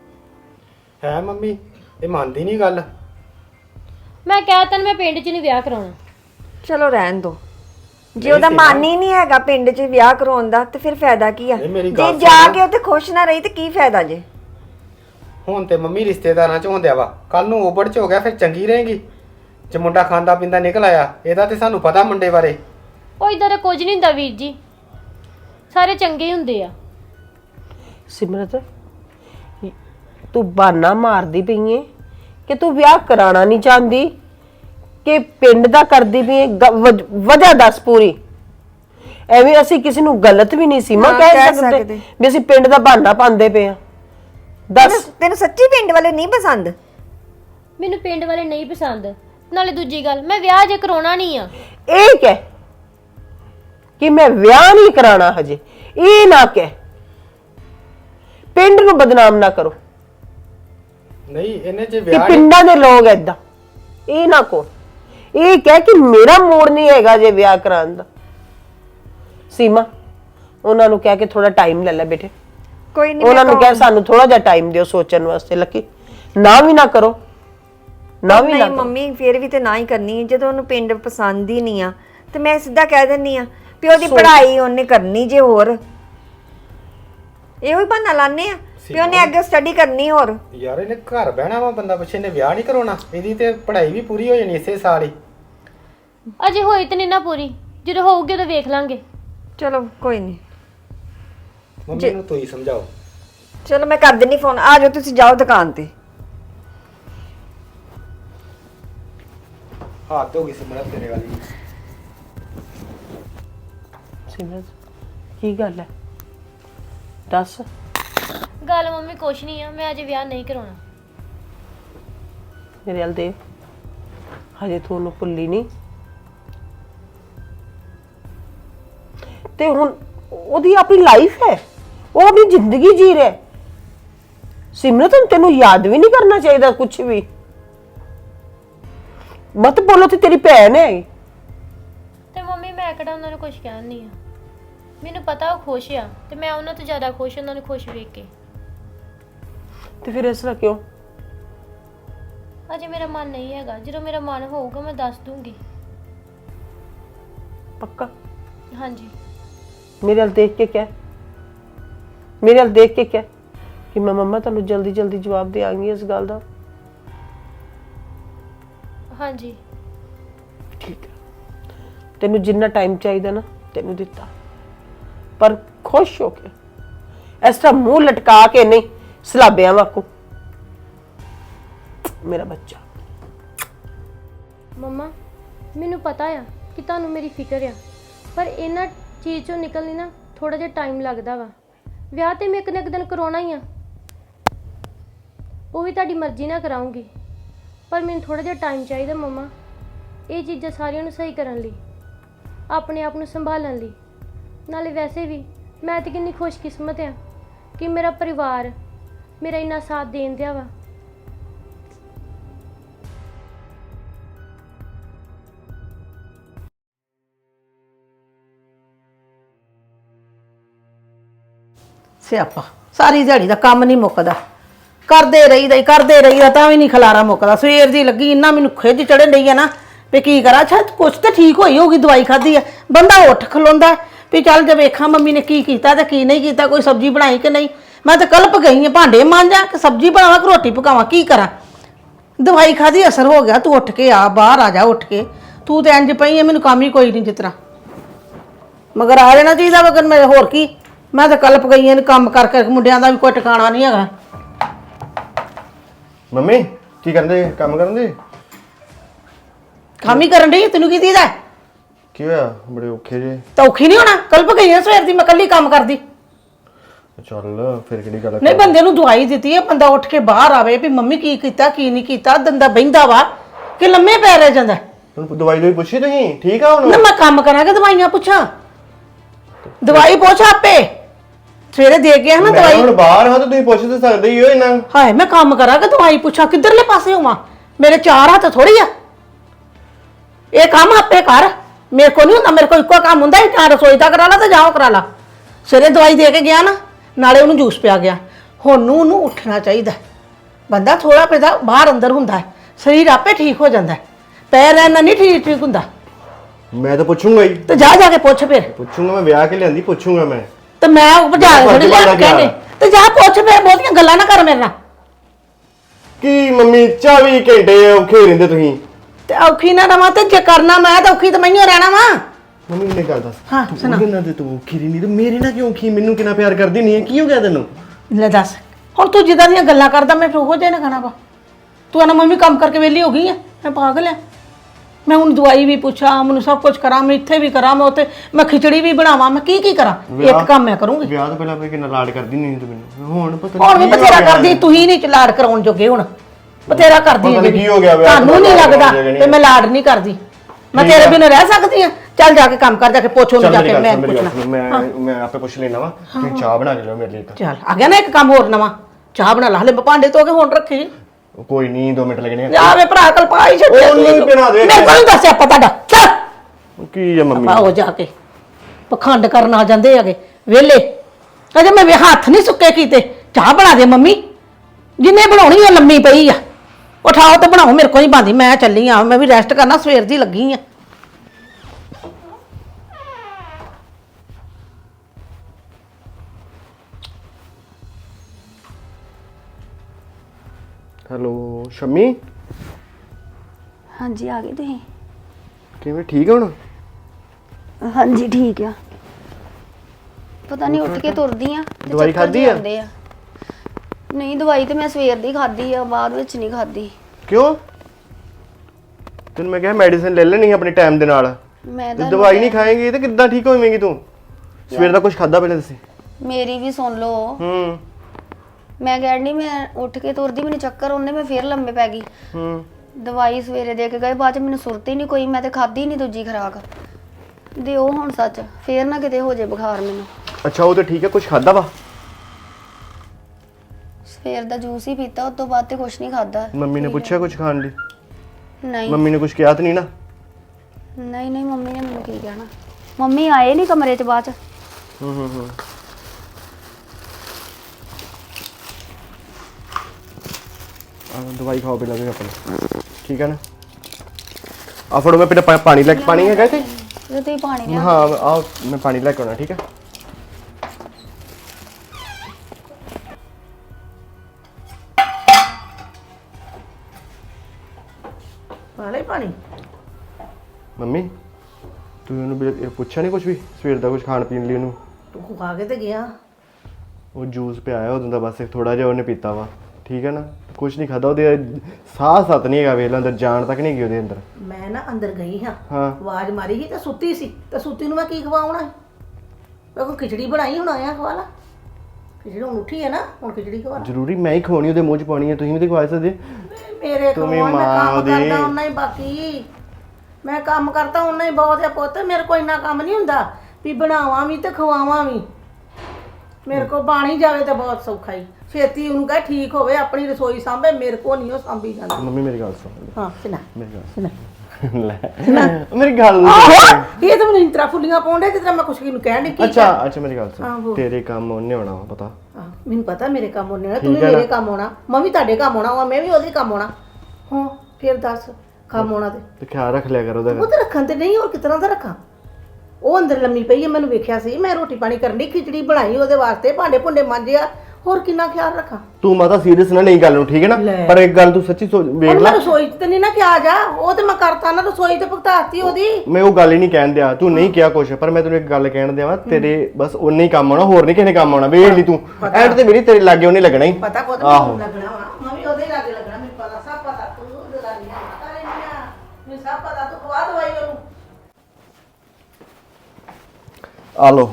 C: ਹੈ ਮੰਮੀ, ਇਹ ਮੰਨਦੀ ਨਹੀਂ ਗੱਲ।
B: ਮੈਂ ਕਹਿ ਤਾ ਮੈਂ ਪਿੰਡ 'ਚ ਨਹੀਂ ਵਿਆਹ ਕਰਾਉਣਾ।
A: ਚਲੋ ਰਹਿਣ ਦੋ, ਜੇ ਉਹਦਾ ਮਨ ਹੀ ਨਹੀਂ ਹੈਗਾ ਪਿੰਡ 'ਚ ਵਿਆਹ ਕਰਾਉਣ ਦਾ ਤੇ ਫਿਰ ਫਾਇਦਾ ਕੀ ਆ?
C: ਇਹ ਮੇਰੀ
A: ਜੇ
C: ਗੱਲ
A: ਜਾ
C: ਸੁਣ।
A: ਕੇ ਉੱਥੇ ਖੁਸ਼ ਨਾ ਰਹੀ ਤੇ ਕੀ ਫਾਇਦਾ ਜੇ?
C: ਹੁਣ ਤੇ ਮੰਮੀ ਰਿਸ਼ਤੇਦਾਰਾਂ 'ਚ ਹੁੰਦਿਆ ਵਾ, ਕੱਲ ਨੂੰ ਓਬੜ 'ਚ ਹੋ ਗਿਆ ਫਿਰ ਚੰਗੀ ਰਹੇਗੀ। ਜੇ ਮੁੰਡਾ ਖਾਂਦਾ ਪੀਂਦਾ ਨਿਕਲ ਆਇਆ, ਇਹਦਾ ਤੇ ਸਾਨੂੰ ਪਤਾ ਮੁੰਡੇ ਬਾਰੇ।
B: ਉਹ ਇਦਾਂ ਦਾ ਕੁਝ ਨਹੀਂ ਹੁੰਦਾ ਵੀਰ ਜੀ, ਸਾਰੇ ਚੰਗੇ ਹੀ ਹੁੰਦੇ ਆ।
D: ਸਿਮਰਤ, ਤੂੰ ਬਹਾਨਾ ਮਾਰਦੀ ਪਈ ਏ ਕਿ ਤੂੰ ਵਿਆਹ ਕਰਾਉਣਾ ਨਹੀਂ ਚਾਹੁੰਦੀ ਕਿ ਪਿੰਡ ਦਾ ਕਰਦੀ ਪਈ ਏ? ਵਜ੍ਹਾ ਦੱਸ ਪੂਰੀ। ਐਵੇਂ ਅਸੀਂ ਕਿਸੇ ਨੂੰ ਗਲਤ ਵੀ ਨਹੀਂ ਸੀਮਾ
A: ਹਾਂ,
D: ਕਹਿ
A: ਕਹਿ
D: ਸਕਦੇ
A: ਸਕਦੇ।
D: ਵੀ ਅਸੀਂ ਪਿੰਡ ਦਾ ਬਹਾਨਾ ਪਾਉਂਦੇ ਪਏ ਆ। ਦੱਸ।
A: ਤੈਨੂੰ ਸੱਚੀ ਪਿੰਡ ਵਾਲੇ ਨਹੀਂ ਪਸੰਦ?
B: ਮੈਨੂੰ ਪਿੰਡ ਵਾਲੇ ਨਹੀਂ ਪਸੰਦ। ਨਾਲੇ ਦੂਜੀ ਗੱਲ, ਮੈਂ ਵਿਆਹ ਜੇ ਕਰਾਉਣਾ ਨਹੀਂ ਆ।
D: ਇਹ ਕਹਿ ਕਿ ਮੈਂ ਵਿਆਹ ਨਹੀਂ ਕਰਾਉਣਾ ਹਜੇ, ਇਹ ਨਾ ਕਹਿ। ਪਿੰਡ ਨੂੰ ਬਦਨਾਮ ਨਾ ਕਰੋ
C: ਨਹੀਂ ਇਹਨੇ ਜੇ
D: ਕਿ
C: ਵਿਆਹ ਨਹੀਂ-
D: ਪਿੰਡਾਂ ਦੇ ਲੋਕ ਏਦਾਂ, ਇਹ ਨਾ ਕਹੋ। ਇਹ ਕਹਿ ਕਿ ਮੇਰਾ ਮੂਡ ਨਹੀਂ ਹੈਗਾ ਜੇ ਵਿਆਹ ਕਰਾਉਣ ਦਾ। ਸੀਮਾ, ਉਹਨਾਂ ਨੂੰ ਕਹਿ ਕੇ ਥੋੜਾ ਟਾਈਮ ਲੈ ਲੈ ਬੇਟੇ।
A: ਕੋਈ ਨਹੀਂ,
D: ਉਹਨਾਂ ਨੂੰ ਕਹਿ ਸਾਨੂੰ ਥੋੜਾ ਜਿਹਾ ਟਾਈਮ ਦਿਓ ਸੋਚਣ ਵਾਸਤੇ। ਲੱਕੀ, ਨਾ ਵੀ ਨਾ ਕਰੋ, ਨਾ ਵੀ ਨਾ
A: ਨਹੀਂ
D: ਕਰੋ।
A: ਮੰਮੀ ਫਿਰ ਵੀ ਤੇ ਨਾ ਹੀ ਕਰਨੀ ਹੈ। ਜਦੋਂ ਉਹਨੂੰ ਪਿੰਡ ਪਸੰਦ ਹੀ ਨਹੀਂ ਆ ਤੇ ਮੈਂ ਸਿੱਧਾ ਕਹਿ ਦਿੰਨੀ ਆ ਵੀ ਉਹਦੀ ਪੜ੍ਹਾਈ ਉਹਨੇ ਕਰਨੀ ਜੇ ਹੋਰ। ਇਹੋ ਹੀ ਬਹਾਨਾ ਲਾਣੇ ਆ ਵੀ ਉਹਨੇ ਅੱਗੇ ਸਟੱਡੀ ਕਰਨੀ ਹੋਰ।
C: ਯਾਰ ਇਹਨੇ ਘਰ ਬਹਿਣਾ ਵਾ, ਬੰਦਾ ਪਿੱਛੇ ਨੇ ਵਿਆਹ ਨਹੀਂ ਕਰਾਉਣਾ। ਇਹਦੀ ਤੇ ਪੜ੍ਹਾਈ ਵੀ ਪੂਰੀ ਹੋ ਜਾਣੀ ਇਸੇ ਸਾਲ ਹੀ।
B: ਅਜੇ ਹੋਈ ਤੇ ਨਹੀਂ ਨਾ ਪੂਰੀ, ਜਦੋਂ ਹੋਊਗੀ ਉਦੋਂ ਵੇਖ ਲਾਂਗੇ।
A: ਚਲੋ ਕੋਈ ਨਹੀਂ,
C: ਮੰਮੀ ਨੂੰ ਤੁਸੀਂ ਸਮਝਾਓ।
A: ਚਲੋ ਮੈਂ ਕਰ ਦਿੰਨੀ ਫੋਨ। ਆ ਜਾਓ, ਤੁਸੀਂ ਜਾਓ ਦੁਕਾਨ ਤੇ।
C: ਹੱਥ ਹੋ ਗਈ ਸਿਮਰਤ ਤੇਰੇ ਵਾਲੀ।
D: ਸਿਮਰਤ, ਕੀ ਗੱਲ ਹੈ? ਦੱਸ।
B: ਗੱਲ ਮੰਮੀ ਕੁਛ ਨਹੀਂ ਆ, ਮੈਂ ਅਜੇ ਵਿਆਹ ਨਹੀਂ ਕਰਾਉਣਾ।
D: ਮੇਰੇ ਵੱਲ ਦੇ, ਹਜੇ ਤੁਹਾਨੂੰ ਭੁੱਲੀ ਨਹੀਂ। ਤੇ ਹੁਣ ਉਹਦੀ ਆਪਣੀ ਲਾਈਫ ਹੈ, ਉਹ ਆਪਣੀ ਜ਼ਿੰਦਗੀ ਜੀ ਰਿਹਾ। ਸਿਮਰਤ, ਹੁਣ ਤੈਨੂੰ ਯਾਦ ਵੀ ਨਹੀਂ ਕਰਨਾ ਚਾਹੀਦਾ ਕੁਝ ਵੀ। ਮਤ ਬੋਲੋ ਤੇ ਤੇਰੀ ਭੈਣ ਹੈ।
B: ਤੇ ਮੰਮੀ ਮੈਂ ਕਿਹੜਾ ਉਹਨਾਂ ਨੂੰ ਕੁਝ ਕਹਿਣ ਨਹੀਂ ਆ। ਮੈਨੂੰ ਪਤਾ ਉਹ ਖੁਸ਼ ਆ ਤੇ ਮੈਂ ਉਹਨਾਂ ਤੋਂ ਜ਼ਿਆਦਾ ਖੁਸ਼, ਉਹਨਾਂ ਨੂੰ ਖੁਸ਼ ਵੇਖ ਕੇ।
D: ਤੇ ਫਿਰ ਇਸ ਤਰ੍ਹਾਂ ਕਿਉਂ?
B: ਅਜੇ ਮੇਰਾ ਮਨ ਨਹੀਂ ਹੈਗਾ, ਜਦੋਂ ਮੇਰਾ ਮਨ ਹੋਊਗਾ ਮੈਂ ਦੱਸ ਦੂੰਗੀ।
D: ਪੱਕਾ?
B: ਹਾਂਜੀ।
D: ਮੇਰੇ ਵੱਲ ਦੇਖ ਕੇ ਕਹਿ, ਮੇਰੇ ਵੱਲ ਦੇਖ ਕੇ ਕਹਿ ਕਿ ਮੈਂ ਮੰਮਾ ਤੁਹਾਨੂੰ ਜਲਦੀ ਜਲਦੀ ਜਵਾਬ ਦੇਵਾਂਗੀ ਇਸ ਗੱਲ ਦਾ।
B: ਹਾਂਜੀ
D: ਠੀਕ ਹੈ, ਤੈਨੂੰ ਜਿੰਨਾ ਟਾਈਮ ਚਾਹੀਦਾ ਨਾ ਤੈਨੂੰ ਦਿੱਤਾ, ਪਰ ਖੁਸ਼ ਹੋ ਕੇ, ਇਸ ਤਰ੍ਹਾਂ ਮੂੰਹ ਲਟਕਾ ਕੇ ਨਹੀਂ, ਸਲਾਬਿਆਂ ਵਾਂਗੂ। ਮੇਰਾ ਬੱਚਾ।
B: ਮੰਮਾ, ਮੈਨੂੰ ਪਤਾ ਆ ਕਿ ਤੁਹਾਨੂੰ ਮੇਰੀ ਫਿਕਰ ਆ, ਪਰ ਇਹਨਾਂ ਚੀਜ਼ ਚੋਂ ਨਿਕਲਣੀ ਨਾ ਥੋੜਾ ਜਿਹਾ ਟਾਈਮ ਲੱਗਦਾ ਵਾ। ਵਿਆਹ ਤੇ ਮੈਂ ਇੱਕ ਨਾ ਇੱਕ ਦਿਨ ਕਰਾਉਣਾ ਹੀ ਆ, ਉਹ ਵੀ ਤੁਹਾਡੀ ਮਰਜ਼ੀ ਨਾਲ ਕਰਾਉਂਗੀ, ਪਰ ਮੈਨੂੰ ਥੋੜਾ ਜਿਹਾ ਟਾਈਮ ਚਾਹੀਦਾ ਮੰਮਾ, ਇਹ ਚੀਜ਼ਾਂ ਸਾਰੀਆਂ ਨੂੰ ਸਹੀ ਕਰਨ ਲਈ, ਆਪਣੇ ਆਪ ਨੂੰ ਸੰਭਾਲਣ ਲਈ। ਨਾਲੇ ਵੈਸੇ ਵੀ ਮੈਂ ਤੇ ਕਿੰਨੀ ਖੁਸ਼ਕਿਸਮਤ ਆ ਕਿ ਮੇਰਾ ਪਰਿਵਾਰ ਮੇਰਾ ਇੰਨਾ ਸਾਥ ਦੇਣ ਦਿਆ ਵਾ।
E: ਸਿਆਪਾ, ਸਾਰੀ ਦਿਹਾੜੀ ਦਾ ਕੰਮ ਨਹੀਂ ਮੁੱਕਦਾ। ਕਰਦੇ ਰਹੀਦਾ ਤਾਂ ਵੀ ਨਹੀਂ ਖਲਾਰਾ ਮੁੱਕਦਾ। ਸਵੇਰ ਦੀ ਲੱਗੀ, ਇੰਨਾ ਮੈਨੂੰ ਖਿੱਝ ਚੜਨ ਡਈ ਆ ਨਾ ਵੀ ਕੀ ਕਰਾਂ। ਅੱਛਾ ਕੁਛ ਤਾਂ ਠੀਕ ਹੋਈ ਹੋਊਗੀ, ਦਵਾਈ ਖਾਧੀ ਆ, ਬੰਦਾ ਉੱਠ ਖਲੋਂਦਾ ਵੀ ਚੱਲ ਜੇ ਵੇਖਾਂ ਮੰਮੀ ਨੇ ਕੀ ਕੀਤਾ ਤੇ ਕੀ ਨਹੀਂ ਕੀਤਾ, ਕੋਈ ਸਬਜ਼ੀ ਬਣਾਈ ਕਿ ਨਹੀਂ। ਮੈਂ ਤਾਂ ਕਲਪ ਗਈ ਆ, ਭਾਂਡੇ ਮਾਂਜਾਂ ਕਿ ਸਬਜ਼ੀ ਬਣਾਵਾਂ ਕਿ ਰੋਟੀ ਪਕਾਵਾਂ, ਕੀ ਕਰਾਂ। ਦਵਾਈ ਖਾਧੀ ਅਸਰ ਹੋ ਗਿਆ। ਤੂੰ ਉੱਠ ਕੇ ਆ, ਬਾਹਰ ਆ ਜਾ ਉੱਠ ਕੇ। ਤੂੰ ਤੇ ਇੰਜ ਪਈ ਆ, ਮੈਨੂੰ ਕੰਮ ਹੀ ਕੋਈ ਨਹੀਂ ਜਿਸ ਤਰ੍ਹਾਂ। ਮਗਰ ਆ ਜਾਣਾ ਚਾਹੀਦਾ ਮਗਰ ਮੈਂ ਹੋਰ ਕੀ। ਮੈਂ ਤਾਂ ਕਲਪ ਗਈ ਆ, ਕੰਮ ਕਰ ਕਰਕੇ ਮੁੰਡਿਆਂ ਦਾ ਵੀ ਕੋਈ ਟਿਕਾਣਾ ਨਹੀਂ ਹੈਗਾ।
F: ਮੰਮੀ ਕੀ ਕਰਦੇ? ਕੰਮ ਕਰਨ ਦੇ?
E: ਕੰਮ ਹੀ ਕਰਨ ਡਈ, ਤੈਨੂੰ ਕੀ ਦੀਦਾ?
F: ਕੀ ਹੋਇਆ? ਬੜੇ ਔਖੇ ਜੇ।
E: ਤਾਂ ਔਖੀ ਨਹੀਂ ਹੋਣਾ, ਕਲਪ ਗਈ ਆ ਸਵੇਰ ਦੀ, ਮੈਂ ਕੱਲੀ ਕੰਮ ਕਰਦੀ।
F: ਚੱਲ ਫਿਰ ਕਿਹੜੀ ਗੱਲ
E: ਨਹੀਂ, ਬੰਦੇ ਨੂੰ ਦਵਾਈ ਦਿੱਤੀ ਹੈ, ਬੰਦਾ ਉੱਠ ਕੇ ਬਾਹਰ ਆਵੇ ਵੀ ਮੰਮੀ ਕੀ ਕੀਤਾ ਕੀ ਨਹੀਂ ਕੀਤਾ। ਦੰਦਾ ਬਹਿੰਦਾ ਵਾ ਕਿ ਲੰਮੇ ਪੈ ਰਹਿ ਜਾਂਦਾ ਹੈ?
F: ਹੁਣ ਦਵਾਈ ਦੋਈ ਪੁੱਛੀ ਤੁਸੀਂ ਠੀਕ ਆ ਹੁਣ
E: ਨਾ ਮੈਂ ਕੰਮ ਕਰਾਂ ਕਿ ਦਵਾਈਆਂ ਪੁੱਛਾਂ? ਦਵਾਈ ਪੁੱਛ ਆਪੇ, ਸਵੇਰੇ ਦੇ ਗਿਆ ਨਾ
F: ਮੈਂ
E: ਦਵਾਈ।
F: ਹੁਣ ਬਾਹਰ ਹਾਂ ਤਾਂ ਤੁਸੀਂ ਪੁੱਛ ਤਾਂ ਸਕਦੇ ਹੀ ਹੋ ਇਹਨਾਂ
E: ਹਾਏ ਮੈਂ ਕੰਮ ਕਰਾਂ ਕਿ ਦਵਾਈ ਪੁੱਛਾਂ? ਕਿੱਧਰਲੇ ਪਾਸੇ ਹੋਵਾਂ? ਮੇਰੇ ਚਾਰ ਹੱਥ ਥੋੜੀ ਆ। ਇਹ ਕੰਮ ਆਪੇ ਕਰ, ਮੇਰੇ ਕੋ ਨਹੀਂ ਹੁੰਦਾ। ਮੇਰੇ ਕੋਲ ਇੱਕੋ ਕੰਮ ਹੁੰਦਾ, ਜਾਂ ਰਸੋਈ ਦਾ ਕਰਾ ਲਾ ਤੇ ਜਾਓ ਕਰਾ ਲਾ। ਸਵੇਰੇ ਦਵਾਈ ਦੇ ਕੇ ਗਿਆ ਨਾ, ਨਾਲੇ ਉਹਨੂੰ ਜੂਸ ਪਿਆ ਗਿਆ। ਹੁਣ ਨੂੰ ਉਹਨੂੰ ਉੱਠਣਾ ਚਾਹੀਦਾ। ਬੰਦਾ ਥੋੜਾ ਪੈਦਾ ਬਾਹਰ ਅੰਦਰ ਹੁੰਦਾ ਹੈ, ਸਰੀਰ ਆਪੇ ਠੀਕ ਹੋ ਜਾਂਦਾ ਹੈ। ਪੈਰ ਰਹਿਣਾ ਨਹੀਂ ਠੀਕ ਹੁੰਦਾ।
F: ਮੈਂ ਤਾਂ ਪੁੱਛੂੰਗਾ ਹੀ,
E: ਤੇ ਜਾ ਜਾ ਕੇ ਪੁੱਛ ਫਿਰ।
F: ਪੁੱਛੂੰਗਾ। ਮੈਂ ਵਿਆਹ ਕੇ ਲਿਆਂਦੀ, ਪੁੱਛੂੰਗਾ ਮੈਂ।
E: ਤੇ ਮੈਂ ਉਹ ਭਜਾ ਕੇ ਥੋੜੀ ਲਿਆ ਕੇ ਕਹਿੰਦੇ। ਤੇ ਜਾ ਪੁੱਛ ਫਿਰ, ਬਹੁਤੀਆਂ ਗੱਲਾਂ ਨਾ ਕਰ ਮੇਰੇ ਨਾਲ।
F: ਕੀ ਮੰਮੀ 24 ਘੰਟੇ ਔਖੇ ਰਹਿੰਦੇ ਤੁਸੀਂ?
E: ਤੇ ਔਖੀ ਨਾ ਰਵਾਂ, ਤੇ ਜੇ ਕਰਨਾ ਮੈਂ ਤਾਂ ਔਖੀ ਤਾਂ ਮੈਂ ਹੀ ਰਹਿਣਾ ਵਾ।
F: ਮੰਮੀ ਨੇ ਗੱਲ ਦੱਸ।
E: ਹਾਂ, ਸੁਣਾ।
F: ਉਹਦੇ ਨਾਲ ਤੇ ਤੂੰ ਔਖੀ ਨਹੀਂ ਤੇ ਮੇਰੇ ਨਾਲ ਕਿਉਂ ਔਖੀ? ਮੈਨੂੰ ਕਿੰਨਾ ਪਿਆਰ ਕਰਦੀ ਨਹੀਂ ਹੈ, ਕੀ ਹੋ ਗਿਆ ਤੈਨੂੰ?
E: ਲੈ ਦੱਸ, ਹੁਣ ਤੂੰ ਜਿੱਦਾਂ ਦੀਆਂ ਗੱਲਾਂ ਕਰਦਾ ਮੈਂ ਫਿਰ ਉਹੋ ਜਿਹਾ ਨਾ ਖਾਣਾ ਵਾ। ਤੂੰ ਆਣਾ ਮੰਮੀ ਕੰਮ ਕਰਕੇ ਵਿਹਲੀ ਹੋ ਗਈ ਆ, ਮੈਂ ਪਾਗਲ ਆ। ਮੈਂ ਹੁਣ ਦਵਾਈ ਵੀ ਪੁੱਛਾਂ, ਮੈਨੂੰ ਸਭ ਕੁਝ ਕਰਾਂ, ਮੈਂ ਇੱਥੇ ਵੀ ਕਰਾਂ, ਮੈਂ ਉੱਥੇ ਮੈਂ ਖਿਚੜੀ ਵੀ ਬਣਾਵਾਂ, ਮੈਂ ਕੀ ਕਰਾਂ? ਇੱਕ ਕੰਮ ਮੈਂ ਕਰੂੰਗੀ।
F: ਵਿਆਹ ਤੋਂ ਪਹਿਲਾਂ ਆਪੇ ਕਿੰਨਾ ਲਾਡ ਕਰਦੀ ਨਹੀਂ ਤੂੰ ਮੈਨੂੰ, ਹੁਣ ਪਤਾ
E: ਹੁਣ ਵੀ
F: ਕੀ ਹੋ
E: ਬਥੇਰਾ
F: ਗਿਆ।
E: ਕਰਦੀ, ਤੂੰ ਹੀ ਨਹੀਂ ਲਾੜ ਕਰਾਉਣ ਜੋਗੇ। ਹੁਣ ਬਥੇਰਾ ਕਰਦੀ
F: ਪਤਾ
E: ਹੈ
F: ਨੀ ਕੀ ਹੋ ਗਿਆ ਵਿਆਹ ਤੋਂ
E: ਤੁਹਾਨੂੰ ਨਹੀਂ
F: ਬਾਅਦ
E: ਲੱਗਦਾ
F: ਹੋ ਜਾਣੀ
E: ਤੇ ਮੈਂ ਲਾੜ ਨਹੀਂ ਕਰਦੀ। ਮੈਂ ਤੇਰੇ ਬਿਨਾਂ ਰਹਿ ਸਕਦੀ ਆ? ਚੱਲ ਜਾ ਕੇ ਕੰਮ ਕਰ, ਜਾ ਕੇ ਪੁੱਛ ਉਹਨੂੰ, ਜਾ ਕੇ ਮੈਂ ਪੁੱਛਣਾ।
F: ਮੈਂ ਆਪੇ ਪੁੱਛ ਲੈਣਾ ਵਾ। ਤੁਸੀਂ ਚਾਹ ਬਣਾ ਕੇ ਲਿਓ ਮੇਰੇ ਲਈ ਇੱਕ।
E: ਚੱਲ ਆ ਗਿਆ ਨਾ ਇੱਕ ਕੰਮ ਹੋਰ ਨਵਾਂ, ਚਾਹ ਬਣਾ ਲਾ। ਹਲੇ ਭਾਂਡੇ ਧੋ ਕੇ ਹੁਣ ਰੱਖੀ।
F: ਕੋਈ ਨਹੀਂ 2 ਮਿੰਟ ਲੱਗਣੇ ਆ।
E: ਜਾ ਵੇ ਭਰਾ ਕਲ ਪਾਈ ਛੱਡਿਆ
F: ਉਹਨੂੰ ਹੀ ਬਣਾ ਦੇ।
E: ਮੈਂ ਕੋਈ ਦੱਸਿਆ ਪਤਾ ਤੁਹਾਡਾ। ਚੱਲ
F: ਕੀ ਆ ਮੰਮੀ?
E: ਆਓ ਜਾ ਕੇ ਪਖੰਡ ਕਰਨ ਆ ਜਾਂਦੇ ਹੈਗੇ ਵੇਲੇ। ਅਜੇ ਮੈਂ ਹੱਥ ਨਹੀਂ ਸੁੱਕੇ ਕੀਤੇ। ਚਾਹ ਬਣਾ ਦੇ ਮੰਮੀ, ਜਿੰਨੇ ਬਣਾਉਣੀ ਆ ਲੰਮੀ ਪਈ ਆ। ਉਠਾਓ ਤੇ ਬਣਾਓ, ਮੇਰੇ ਕੋਲ ਨਹੀਂ ਬੰਦੀ। ਮੈਂ ਚੱਲੀ ਆ, ਮੈਂ ਵੀ ਰੈਸਟ ਕਰਨਾ, ਸਵੇਰ ਦੀ ਲੱਗੀ ਆ।
F: ਹੈਲੋ ਸ਼ਮੀ,
G: ਹਾਂਜੀ ਆ ਗਏ ਤੁਸੀਂ?
F: ਕਿਵੇਂ ਠੀਕ ਹੁਣ?
G: ਹਾਂਜੀ ਠੀਕ ਆ। ਪਤਾ ਨਹੀਂ ਉੱਠ ਕੇ ਤੁਰਦੀ ਆ ਤੇ
F: ਦਵਾਈ
G: ਚੱਕਰ
F: ਖਾਧੀ
G: ਜਿਹੇ
F: ਆ?
G: ਆਉਂਦੇ ਨਹੀਂ ਦਵਾਈ ਤੇ ਮੈਂ ਸਵੇਰ ਦੀ ਖਾਧੀ ਆ, ਬਾਅਦ ਵਿੱਚ ਨਹੀਂ ਖਾਧੀ।
F: ਕਿਉਂ? ਤੈਨੂੰ ਮੈਂ ਕਿਹਾ ਮੈਡੀਸਿਨ ਲੈ ਲੈਣੀ ਆਪਣੀ ਟਾਈਮ ਦੇ ਨਾਲ।
G: ਮੈਂ
F: ਤੇ
G: ਤਾਂ
F: ਦਵਾਈ ਨਹੀਂ ਖਾਏਂਗੀ ਤੇ ਕਿੱਦਾਂ ਠੀਕ ਹੋਵੇਂਗੀ ਤੂੰ? ਸਵੇਰ ਦਾ ਕੁਝ ਖਾਦਾ ਪਹਿਲੇ ਦੱਸੀ।
G: ਮੇਰੀ ਵੀ ਸੁਣ ਲਓ।
F: ਹੂੰ
G: ਮੈਂ ਕਹਿਣੀ ਮੈਂ ਉੱਠ ਕੇ ਤੁਰਦੀ, ਮੈਨੂੰ ਚੱਕਰ ਆਉਂਦੇ, ਮੈਂ ਫੇਰ ਲੰਮੇ ਪੈ ਗਈ।
F: ਹੂੰ
G: ਦਵਾਈ ਸਵੇਰੇ ਦੇ ਕੇ ਗਏ, ਬਾਅਦ ਚ ਮੈਨੂੰ ਸੁਰਤ ਹੀ ਨਹੀਂ ਕੋਈ। ਮੈਂ ਤੇ ਖਾਧੀ ਨਹੀਂ ਦੂਜੀ ਖੁਰਾਕ। ਦਿਓ ਹੁਣ ਸੱਚ, ਫੇਰ ਨਾ ਕਿਤੇ ਹੋ ਜੇ ਬੁਖਾਰ ਮੈਨੂੰ।
F: ਅੱਛਾ ਉਹ ਤਾਂ ਠੀਕ ਹੈ, ਕੁਝ ਖਾਦਾ ਵਾ?
G: ਸਵੇਰ ਦਾ ਜੂਸ ਹੀ ਪੀਤਾ, ਉਸ ਤੋਂ ਬਾਅਦ ਤੇ ਕੁਝ ਨਹੀਂ ਖਾਦਾ।
F: ਮੰਮੀ ਨੇ ਪੁੱਛਿਆ ਕੁਝ ਖਾਣ ਲਈ?
G: ਨਹੀਂ
F: ਮੰਮੀ ਨੇ ਕੁਝ ਕਿਹਾ ਤਾਂ ਨਹੀਂ ਨਾ?
G: ਨਹੀਂ ਨਹੀਂ ਮੰਮੀ ਨੇ ਮੈਨੂੰ ਕੀ ਕਹਿਣਾ। ਮੰਮੀ ਆਏ ਨਹੀਂ ਕਮਰੇ 'ਚ ਬਾਅਦ 'ਚ।
F: ਹੂੰ ਦਵਾਈ ਖਾਓ ਪਹਿਲਾਂ ਵੀ ਆਪਣੀ, ਠੀਕ ਹੈ ਨਾ? ਆ ਫੜੋ, ਮੈਂ ਪਹਿਲਾਂ ਪਾਣੀ ਲੈ ਕੇ, ਪਾਣੀ ਹੈਗਾ ਇੱਥੇ?
G: ਜੇ ਤੁਸੀਂ ਪਾਣੀ ਲਿਆ।
F: ਹਾਂ ਆਓ, ਮੈਂ ਪਾਣੀ ਲੈ ਕੇ ਆਉਣਾ, ਠੀਕ ਹੈ?
E: ਵਾਲੇ ਪਾਣੀ।
F: ਮੰਮੀ ਤੂੰ ਉਹਨੂੰ ਪੁੱਛਿਆ ਨਹੀਂ ਕੁਝ ਵੀ? ਸਵੇਰ ਦਾ ਕੁਝ ਖਾਣ ਪੀਣ ਲਈ ਉਹਨੂੰ?
E: ਤੂੰ ਖਾ ਕੇ ਤੇ ਗਿਆ।
F: ਉਹ ਜੂਸ ਪਿਆਇਆ ਉਦੋਂ ਦਾ, ਬਸ ਥੋੜਾ ਜਿਹਾ ਉਹਨੇ ਪੀਤਾ ਵਾ, ਠੀਕ ਹੈ ਨਾ? ਕੁਝ ਨਹੀਂ ਖਾਦਾ। ਉਹਦੇ ਸਾਹ ਸੱਤ ਨਹੀਂ ਹੈਗਾ, ਵੇਖ ਲੈ ਅੰਦਰ ਜਾਣ ਤੱਕ ਨਹੀਂ ਗਈ ਉਹਦੇ ਅੰਦਰ।
E: ਮੈਂ ਨਾ ਅੰਦਰ ਗਈ ਹਾਂ,
F: ਹਾਂ
E: ਆਵਾਜ਼ ਮਾਰੀ ਸੀ ਤੇ ਸੁੱਤੀ ਸੀ। ਤੇ ਸੁੱਤੀ ਨੂੰ ਮੈਂ ਕੀ ਖਵਾਉਣਾ? ਮੈਂ ਕੋਈ ਖਿਚੜੀ ਬਣਾਈ, ਹੁਣ ਆਇਆ ਖਵਾ ਲਾ। ਖਿਚੜੀ ਹੁਣ ਉੱਠੀ ਹੈ ਨਾ, ਹੁਣ ਖਿਚੜੀ ਖਵਾ ਲਾ।
F: ਜ਼ਰੂਰੀ ਮੈਂ ਹੀ ਖਵਾਉਣੀ, ਉਹਦੇ ਮੂੰਹ 'ਚ ਪਾਉਣੀ ਹੈ, ਤੁਸੀਂ ਵੀ ਤੇ ਖਵਾ ਸਕਦੇ।
E: ਮੇਰੇ
F: ਤੂੰ ਵੀ
E: ਖਵਾਉਣ, ਮੈਂ
F: ਮਾਂ
E: ਕੰਮ
F: ਉਹਦੀ।
E: ਕਰਦਾ ਉਹਨਾਂ ਹੀ ਬਾਕੀ। ਮੈਂ ਕੰਮ ਕਰਦਾ ਉਹਨਾਂ ਹੀ ਬਹੁਤ ਆ ਪੁੱਤ। ਮੇਰੇ ਕੋਲ ਇੰਨਾ ਕੰਮ ਨਹੀਂ ਹੁੰਦਾ ਵੀ ਬਣਾਵਾਂ ਵੀ ਤੇ ਖਵਾਵਾਂ ਵੀ। ਮੇਰੇ ਕੋਲ ਬਾਣੀ ਜਾਵੇ ਤਾਂ ਬਹੁਤ ਸੌਖਾ ਹੀ। ਛੇਤੀ ਉਹਨੂੰ ਕਹੇ ਠੀਕ ਹੋਵੇ, ਆਪਣੀ ਰਸੋਈ ਸਾਂਭੇ। ਮੇਰੇ ਕੋਲ ਨਹੀਂ ਉਹ ਸਾਂਭੀ ਜਾਂਦਾ।
F: ਮੰਮੀ ਮੇਰੀ ਗੱਲ ਸੁਣ।
E: ਹਾਂ ਸੁਣਾ
F: ਮੇਰੀ ਗੱਲ
E: ਸੁਣਾ।
F: ਲੈ ਮੇਰੀ ਗੱਲ
E: ਆਹੋ,
F: ਸੁਣ।
E: ਇਹ ਤਾਂ ਮੈਨੂੰ ਇੰਤਰਾ ਫੁੱਲੀਆਂ ਪਾਉਂਦੇ ਜਿਸ ਤਰ੍ਹਾਂ ਮੈਂ ਕੁਛ ਨੂੰ ਕਹਿਣ ਦੀ ਕੀ
F: ਅੱਛਾ ਅੱਛਾ ਮੇਰੀ ਗੱਲ
E: ਆਹੋ।
F: ਸੁਣ, ਤੇਰੇ ਕੰਮ ਉਹਨੇ ਹੋਣਾ ਵਾ, ਪਤਾ?
E: ਮੈਨੂੰ ਪਤਾ ਮੇਰੇ ਕੰਮ ਹੋਣੇ ਆ, ਤੂੰ ਵੀ
F: ਠੀਕ ਹੈ
E: ਮੇਰੇ
F: ਨਾ?
E: ਕੰਮ ਆਉਣਾ, ਮੈਂ ਵੀ ਤੁਹਾਡੇ ਕੰਮ ਆਉਣਾ ਵਾ, ਮੈਂ ਵੀ ਉਹਦੇ ਕੰਮ ਆਉਣਾ। ਹਾਂ ਫਿਰ ਦੱਸ, ਕੰਮ ਆਉਣਾ ਤੇ
F: ਖਿਆਲ ਰੱਖ ਲਿਆ ਕਰ ਉਹਦਾ।
E: ਉਹ ਤਾਂ ਰੱਖਣ ਤੇ ਨਹੀਂ, ਹੋਰ ਕਿਸ ਤਰ੍ਹਾਂ ਦਾ ਰੱਖਾਂ? ਉਹ ਅੰਦਰ ਲੰਮੀ ਪਈ ਹੈ, ਮੈਨੂੰ ਵੇਖਿਆ ਸੀ। ਮੈਂ ਰੋਟੀ ਪਾਣੀ ਕਰਨੀ, ਖਿਚੜੀ ਬਣਾਈ ਉਹਦੇ ਵਾਸਤੇ, ਭਾਂਡੇ ਭੁੰਡੇ ਮਾਂਜਿਆ। ਹੋਰ ਕਿੰਨਾ ਖਿਆਲ ਰੱਖਾਂ?
F: ਤੂੰ ਮਾਤਾ ਸੀਰੀਅਸ ਨਾ ਨਹੀਂ ਗੱਲ ਨੂੰ, ਠੀਕ ਹੈ ਨਾ?
E: ਲੈ।
F: ਪਰ ਇੱਕ ਗੱਲ ਤੂੰ ਸੱਚੀ ਵੇਖ
E: ਹੁਣ
F: ਲੈ।
E: ਮੈਂ ਰਸੋਈ 'ਚ ਤੇ ਨਹੀਂ ਨਾ ਕਿਹਾ ਜਾ, ਉਹ ਤੇ ਮੈਂ ਕਰਤਾ ਨਾ, ਰਸੋਈ ਤੇ ਭੁਗਤਾਤੀ ਉਹਦੀ।
F: ਮੈਂ ਉਹ ਗੱਲ ਹੀ ਨਹੀਂ ਕਹਿਣ ਦਿਆ, ਤੂੰ ਨਹੀਂ ਕਿਹਾ ਕੁਛ, ਪਰ ਮੈਂ ਤੈਨੂੰ ਇੱਕ ਗੱਲ ਕਹਿਣ ਦਿਆ ਵਾ, ਤੇਰੇ ਬਸ ਉਹਨੇ ਹੀ ਕੰਮ ਆਉਣਾ, ਹੋਰ ਨਹੀਂ ਕਿਸੇ ਨੇ ਕੰਮ ਆਉਣਾ। ਵੇਖ ਲਈ ਤੂੰ, ਐਂਡ ਤੇ ਮੇਰੀ ਤੇਰੇ ਲਾਗੇ ਉਹਨੇ ਲੱਗਣਾ ਹੀ।
E: ਪਤਾ ਖੁਦ
F: ਆਹੋ।
E: ਮੈਨੂੰ ਲੱਗਣਾ ਵਾ, ਮੈਂ ਵੀ ਉਹਦੇ ਲਾਗੇ ਲੱਗਣਾ। ਮੈਨੂੰ ਪਤਾ, ਸਭ ਪਤਾ। ਤੂੰ ਦਲਾਲੀਆਂ ਪਤਾ ਰਹਿੰਦੀਆਂ, ਮੈਨੂੰ ਸਭ ਪਤਾ। ਤੂੰ ਖਵਾ ਦਵਾਈ ਉਹਨੂੰ।
F: ਆ ਲੋ।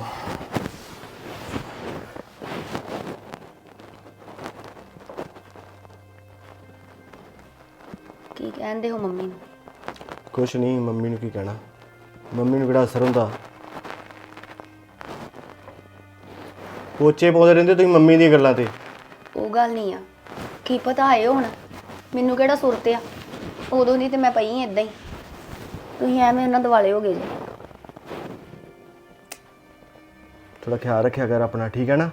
G: ਕੀ ਕਹਿ ਕਹਿੰਦੇ ਹੋ ਮੰਮੀ ਨੂੰ।
F: ਕੁਛ ਨਹੀਂ, ਮੰਮੀ ਨੂੰ ਕੀ ਕਹਿਣਾ, ਮੰਮੀ ਨੂੰ ਕਿਹੜਾ ਅਸਰ ਹੁੰਦਾ। ਪੋਚੇ ਪਾਉਂਦੇ ਰਹਿੰਦੇ ਤੁਸੀਂ ਮੰਮੀ ਦੀਆਂ ਗੱਲਾਂ ਤੇ।
G: ਉਹ ਗੱਲ ਨਹੀਂ ਆ, ਕੀ ਪਤਾ ਆਏ ਹੁਣ, ਮੈਨੂੰ ਕਿਹੜਾ ਸੁਰਤ ਆ, ਉਦੋਂ ਦੀ ਤੇ ਮੈਂ ਪਈ ਏਦਾਂ ਹੀ, ਤੁਸੀਂ ਐਵੇਂ ਉਹਨਾਂ ਦਿਵਾਲੇ ਹੋ ਗਏ ਜੀ।
F: ਥੋੜਾ ਖਿਆਲ ਰੱਖਿਆ ਕਰ ਆਪਣਾ, ਠੀਕ ਹੈ ਨਾ।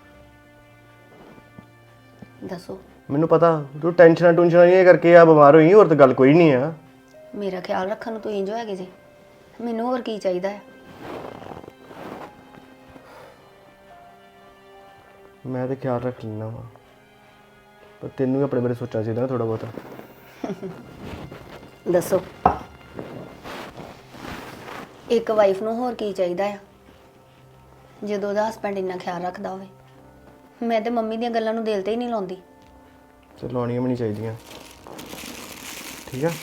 G: ਦੱਸੋ,
F: ਮੈਨੂੰ ਪਤਾ ਤੂੰ ਟੈਨਸ਼ਨਾਂ ਟੁਨਸ਼ਨਾਂ ਇਹ ਕਰਕੇ ਆ ਬਿਮਾਰ ਹੋਈ, ਹੋਰ ਤਾਂ ਗੱਲ ਕੋਈ ਨਹੀਂ ਆ।
G: ਮੇਰਾ ਖਿਆਲ ਰੱਖਣ ਨੂੰ ਤੁਸੀਂ ਜੋ ਹੈਗੇ ਜੀ, ਮੈਨੂੰ ਹੋਰ ਕੀ ਚਾਹੀਦਾ ਹੈ।
F: ਮੈਂ ਤੇ ਖਿਆਲ ਰੱਖ ਲੈਣਾ ਵਾ, ਪਰ ਤੈਨੂੰ ਵੀ ਆਪਣੇ ਬਾਰੇ ਸੋਚਣਾ ਚਾਹੀਦਾ ਨਾ ਥੋੜਾ ਬਹੁਤਾ।
G: ਦੱਸੋ, ਇੱਕ ਵਾਈਫ ਨੂੰ ਹੋਰ ਕੀ ਚਾਹੀਦਾ ਆ ਜਦੋਂ ਉਹਦਾ ਹਸਬੈਂਡ ਇੰਨਾ ਖਿਆਲ ਰੱਖਦਾ ਹੋਵੇ। ਮੈਂ ਤੇ ਮੰਮੀ ਦੀਆਂ ਗੱਲਾਂ ਨੂੰ ਦਿਲ ਤੇ ਹੀ ਨਹੀਂ ਲਾਉਂਦੀ।
F: ਤੇ ਲਾਉਣੀਆਂ ਵੀ ਨਹੀਂ ਚਾਹੀਦੀਆਂ, ਠੀਕ ਆ।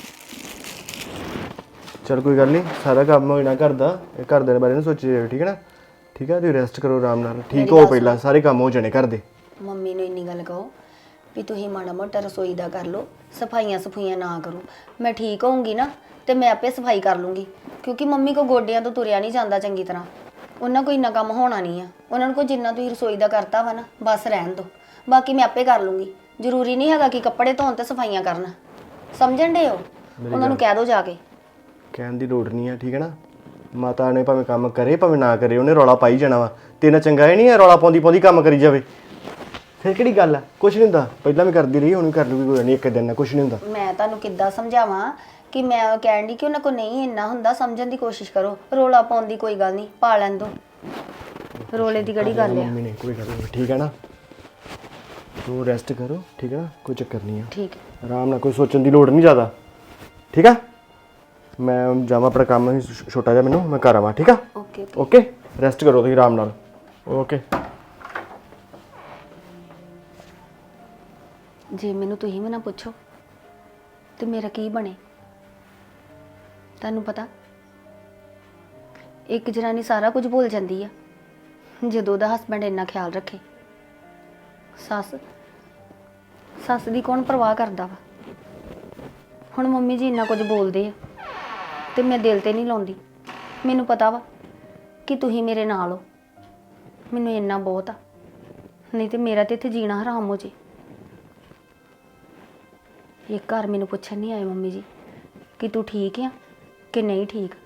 F: ਚਲ ਕੋਈ ਗੱਲ ਨਹੀਂ, ਸਾਰਾ ਕੰਮ ਹੋ ਜਾਣਾ ਘਰ ਦਾ, ਇਹ ਘਰ ਦੇ ਬਾਰੇ ਨਾ ਸੋਚੀ ਜਾਓ, ਠੀਕ ਹੈ ਨਾ। ਠੀਕ ਆ, ਤੁਸੀਂ ਰੈਸਟ ਕਰੋ ਆਰਾਮ ਨਾਲ, ਠੀਕ ਹੋ ਪਹਿਲਾਂ, ਸਾਰੇ ਕੰਮ ਹੋ ਜਾਣੇ ਘਰ ਦੇ।
G: ਮੰਮੀ ਨੂੰ ਇੰਨੀ ਗੱਲ ਕਹੋ ਵੀ ਤੁਸੀਂ ਮਾੜਾ ਮੋਟਾ ਰਸੋਈ ਦਾ ਕਰ ਲਓ, ਸਫਾਈਆਂ ਨਾ ਕਰੋ। ਮੈਂ ਠੀਕ ਹੋਊਂਗੀ ਨਾ ਤੇ ਮੈਂ ਆਪੇ ਸਫਾਈ ਕਰ ਲੂੰਗੀ, ਕਿਉਂਕਿ ਮੰਮੀ ਕੋ ਗੋਡਿਆਂ ਤੋਂ ਤੁਰਿਆ ਨਹੀਂ ਜਾਂਦਾ ਚੰਗੀ ਤਰ੍ਹਾਂ। ਉਹਨਾਂ ਕੋਈ ਇੰਨਾ ਕੰਮ ਹੋਣਾ ਨਹੀਂ ਆ, ਉਹਨਾਂ ਨੂੰ ਕੋਈ ਜਿੰਨਾ ਤੁਸੀਂ ਰਸੋਈ ਦਾ ਕਰਤਾ ਵਾ ਨਾ ਬਸ ਰਹਿਣ ਦਿਓ, ਬਾਕੀ ਮੈਂ ਆਪੇ ਕਰ ਲੂੰਗੀ। ਜ਼ਰੂਰੀ ਨਹੀਂ ਹੈਗਾ ਕਿ ਕੱਪੜੇ ਧੋਣ ਤੇ ਸਫਾਈਆਂ ਕਰਨ, ਸਮਝਣ ਦੇ ਹੋ। ਉਹਨਾਂ ਨੂੰ ਕਹਿ ਦਿਓ ਜਾ ਕੇ।
F: ਕਹਿਣ ਦੀ ਲੋੜ ਨਹੀਂ ਆ, ਠੀਕ ਹੈ ਨਾ। ਮਾਤਾ ਨੇ ਭਾਵੇਂ ਕੰਮ ਕਰੇ ਭਾਵੇਂ ਨਾ ਕਰੇ, ਉਹਨੇ ਰੌਲਾ ਪਾਈ ਜਾਣਾ ਵਾ। ਤੇਨਾਂ ਚੰਗਾ ਹੀ ਨਹੀਂ ਹੈ ਰੌਲਾ ਪਾਉਂਦੀ ਕੰਮ ਕਰੀ ਜਾਵੇ, ਫਿਰ ਕਿਹੜੀ ਗੱਲ ਆ। ਕੁਛ ਨਹੀਂ ਹੁੰਦਾ, ਪਹਿਲਾਂ ਵੀ ਕਰਦੀ ਰਹੀ, ਹੁਣ ਵੀ ਕਰ ਲੂਗੀ, ਕੋਈ ਨਹੀਂ, ਇੱਕ ਦਿਨ ਨਾਲ ਕੁਛ ਨਹੀਂ ਹੁੰਦਾ।
G: ਮੈਂ ਤੁਹਾਨੂੰ ਕਿੱਦਾਂ ਸਮਝਾਵਾਂ ਕਿ ਮੈਂ ਕਹਿਣ ਦੀ ਕਿ ਉਹਨਾਂ ਕੋ ਨਹੀਂ ਇੰਨਾ ਹੁੰਦਾ, ਸਮਝਣ ਦੀ ਕੋਸ਼ਿਸ਼ ਕਰੋ। ਰੋਲਾ ਪਾਉਣ ਦੀ ਕੋਈ ਗੱਲ ਨਹੀਂ, ਪਾ ਲੈਣ ਦੋ, ਰੋਲੇ ਦੀ ਕਿਹੜੀ ਗੱਲ ਆ।
F: ਮੰਮੀ ਨੇ ਕੋਈ ਗੱਲ ਨਹੀਂ, ਠੀਕ ਹੈ ਨਾ। ਤੂੰ ਰੈਸਟ ਕਰੋ, ਠੀਕ ਹੈ ਨਾ, ਕੋਈ ਚੱਕਰ ਨਹੀਂ ਆ।
G: ਠੀਕ ਹੈ,
F: ਆਰਾਮ ਨਾਲ, ਕੋਈ ਸੋਚਣ ਦੀ ਲੋੜ ਨਹੀਂ ਜ਼ਿਆਦਾ, ਠੀਕ ਆ। ਮੈਂ ਜਾਵਾਂ, ਆਪਣਾ ਕੰਮ ਛੋਟਾ ਜਿਹਾ ਮੈਨੂੰ, ਮੈਂ ਘਰ ਆਵਾਂ, ਠੀਕ ਆ।
G: ਓਕੇ
F: ਓਕੇ, ਰੈਸਟ ਕਰੋ ਤੁਸੀਂ ਆਰਾਮ ਨਾਲ। ਓਕੇ।
G: ਜੇ ਮੈਨੂੰ ਤੁਸੀਂ ਵੀ ਨਾ ਪੁੱਛੋ ਤੇ ਮੇਰਾ ਕੀ ਬਣੇ। ਤੁਹਾਨੂੰ ਪਤਾ, ਇੱਕ ਜਨਾਨੀ ਸਾਰਾ ਕੁਝ ਭੁੱਲ ਜਾਂਦੀ ਆ ਜਦੋਂ ਉਹਦਾ ਹਸਬੈਂਡ ਇੰਨਾ ਖਿਆਲ ਰੱਖੇ। ਸੱਸ ਦੀ ਕੌਣ ਪਰਵਾਹ ਕਰਦਾ ਵਾ। ਹੁਣ ਮੰਮੀ ਜੀ ਇੰਨਾ ਕੁਝ ਬੋਲਦੇ ਆ ਤੇ ਮੈਂ ਦਿਲ ਤੇ ਨਹੀਂ ਲਾਉਂਦੀ। ਮੈਨੂੰ ਪਤਾ ਵਾ ਕਿ ਤੁਸੀਂ ਮੇਰੇ ਨਾਲ ਹੋ, ਮੈਨੂੰ ਇੰਨਾ ਬਹੁਤ ਆ, ਨਹੀਂ ਤੇ ਮੇਰਾ ਤੇ ਇੱਥੇ ਜੀਣਾ ਹਰਾਮ ਹੋ ਜੇ। ਇਹ ਘਰ ਮੈਨੂੰ ਪੁੱਛਣ ਨਹੀਂ ਆਏ ਮੰਮੀ ਜੀ ਕਿ ਤੂੰ ਠੀਕ ਆ ਕਿ ਨਹੀਂ ਠੀਕ।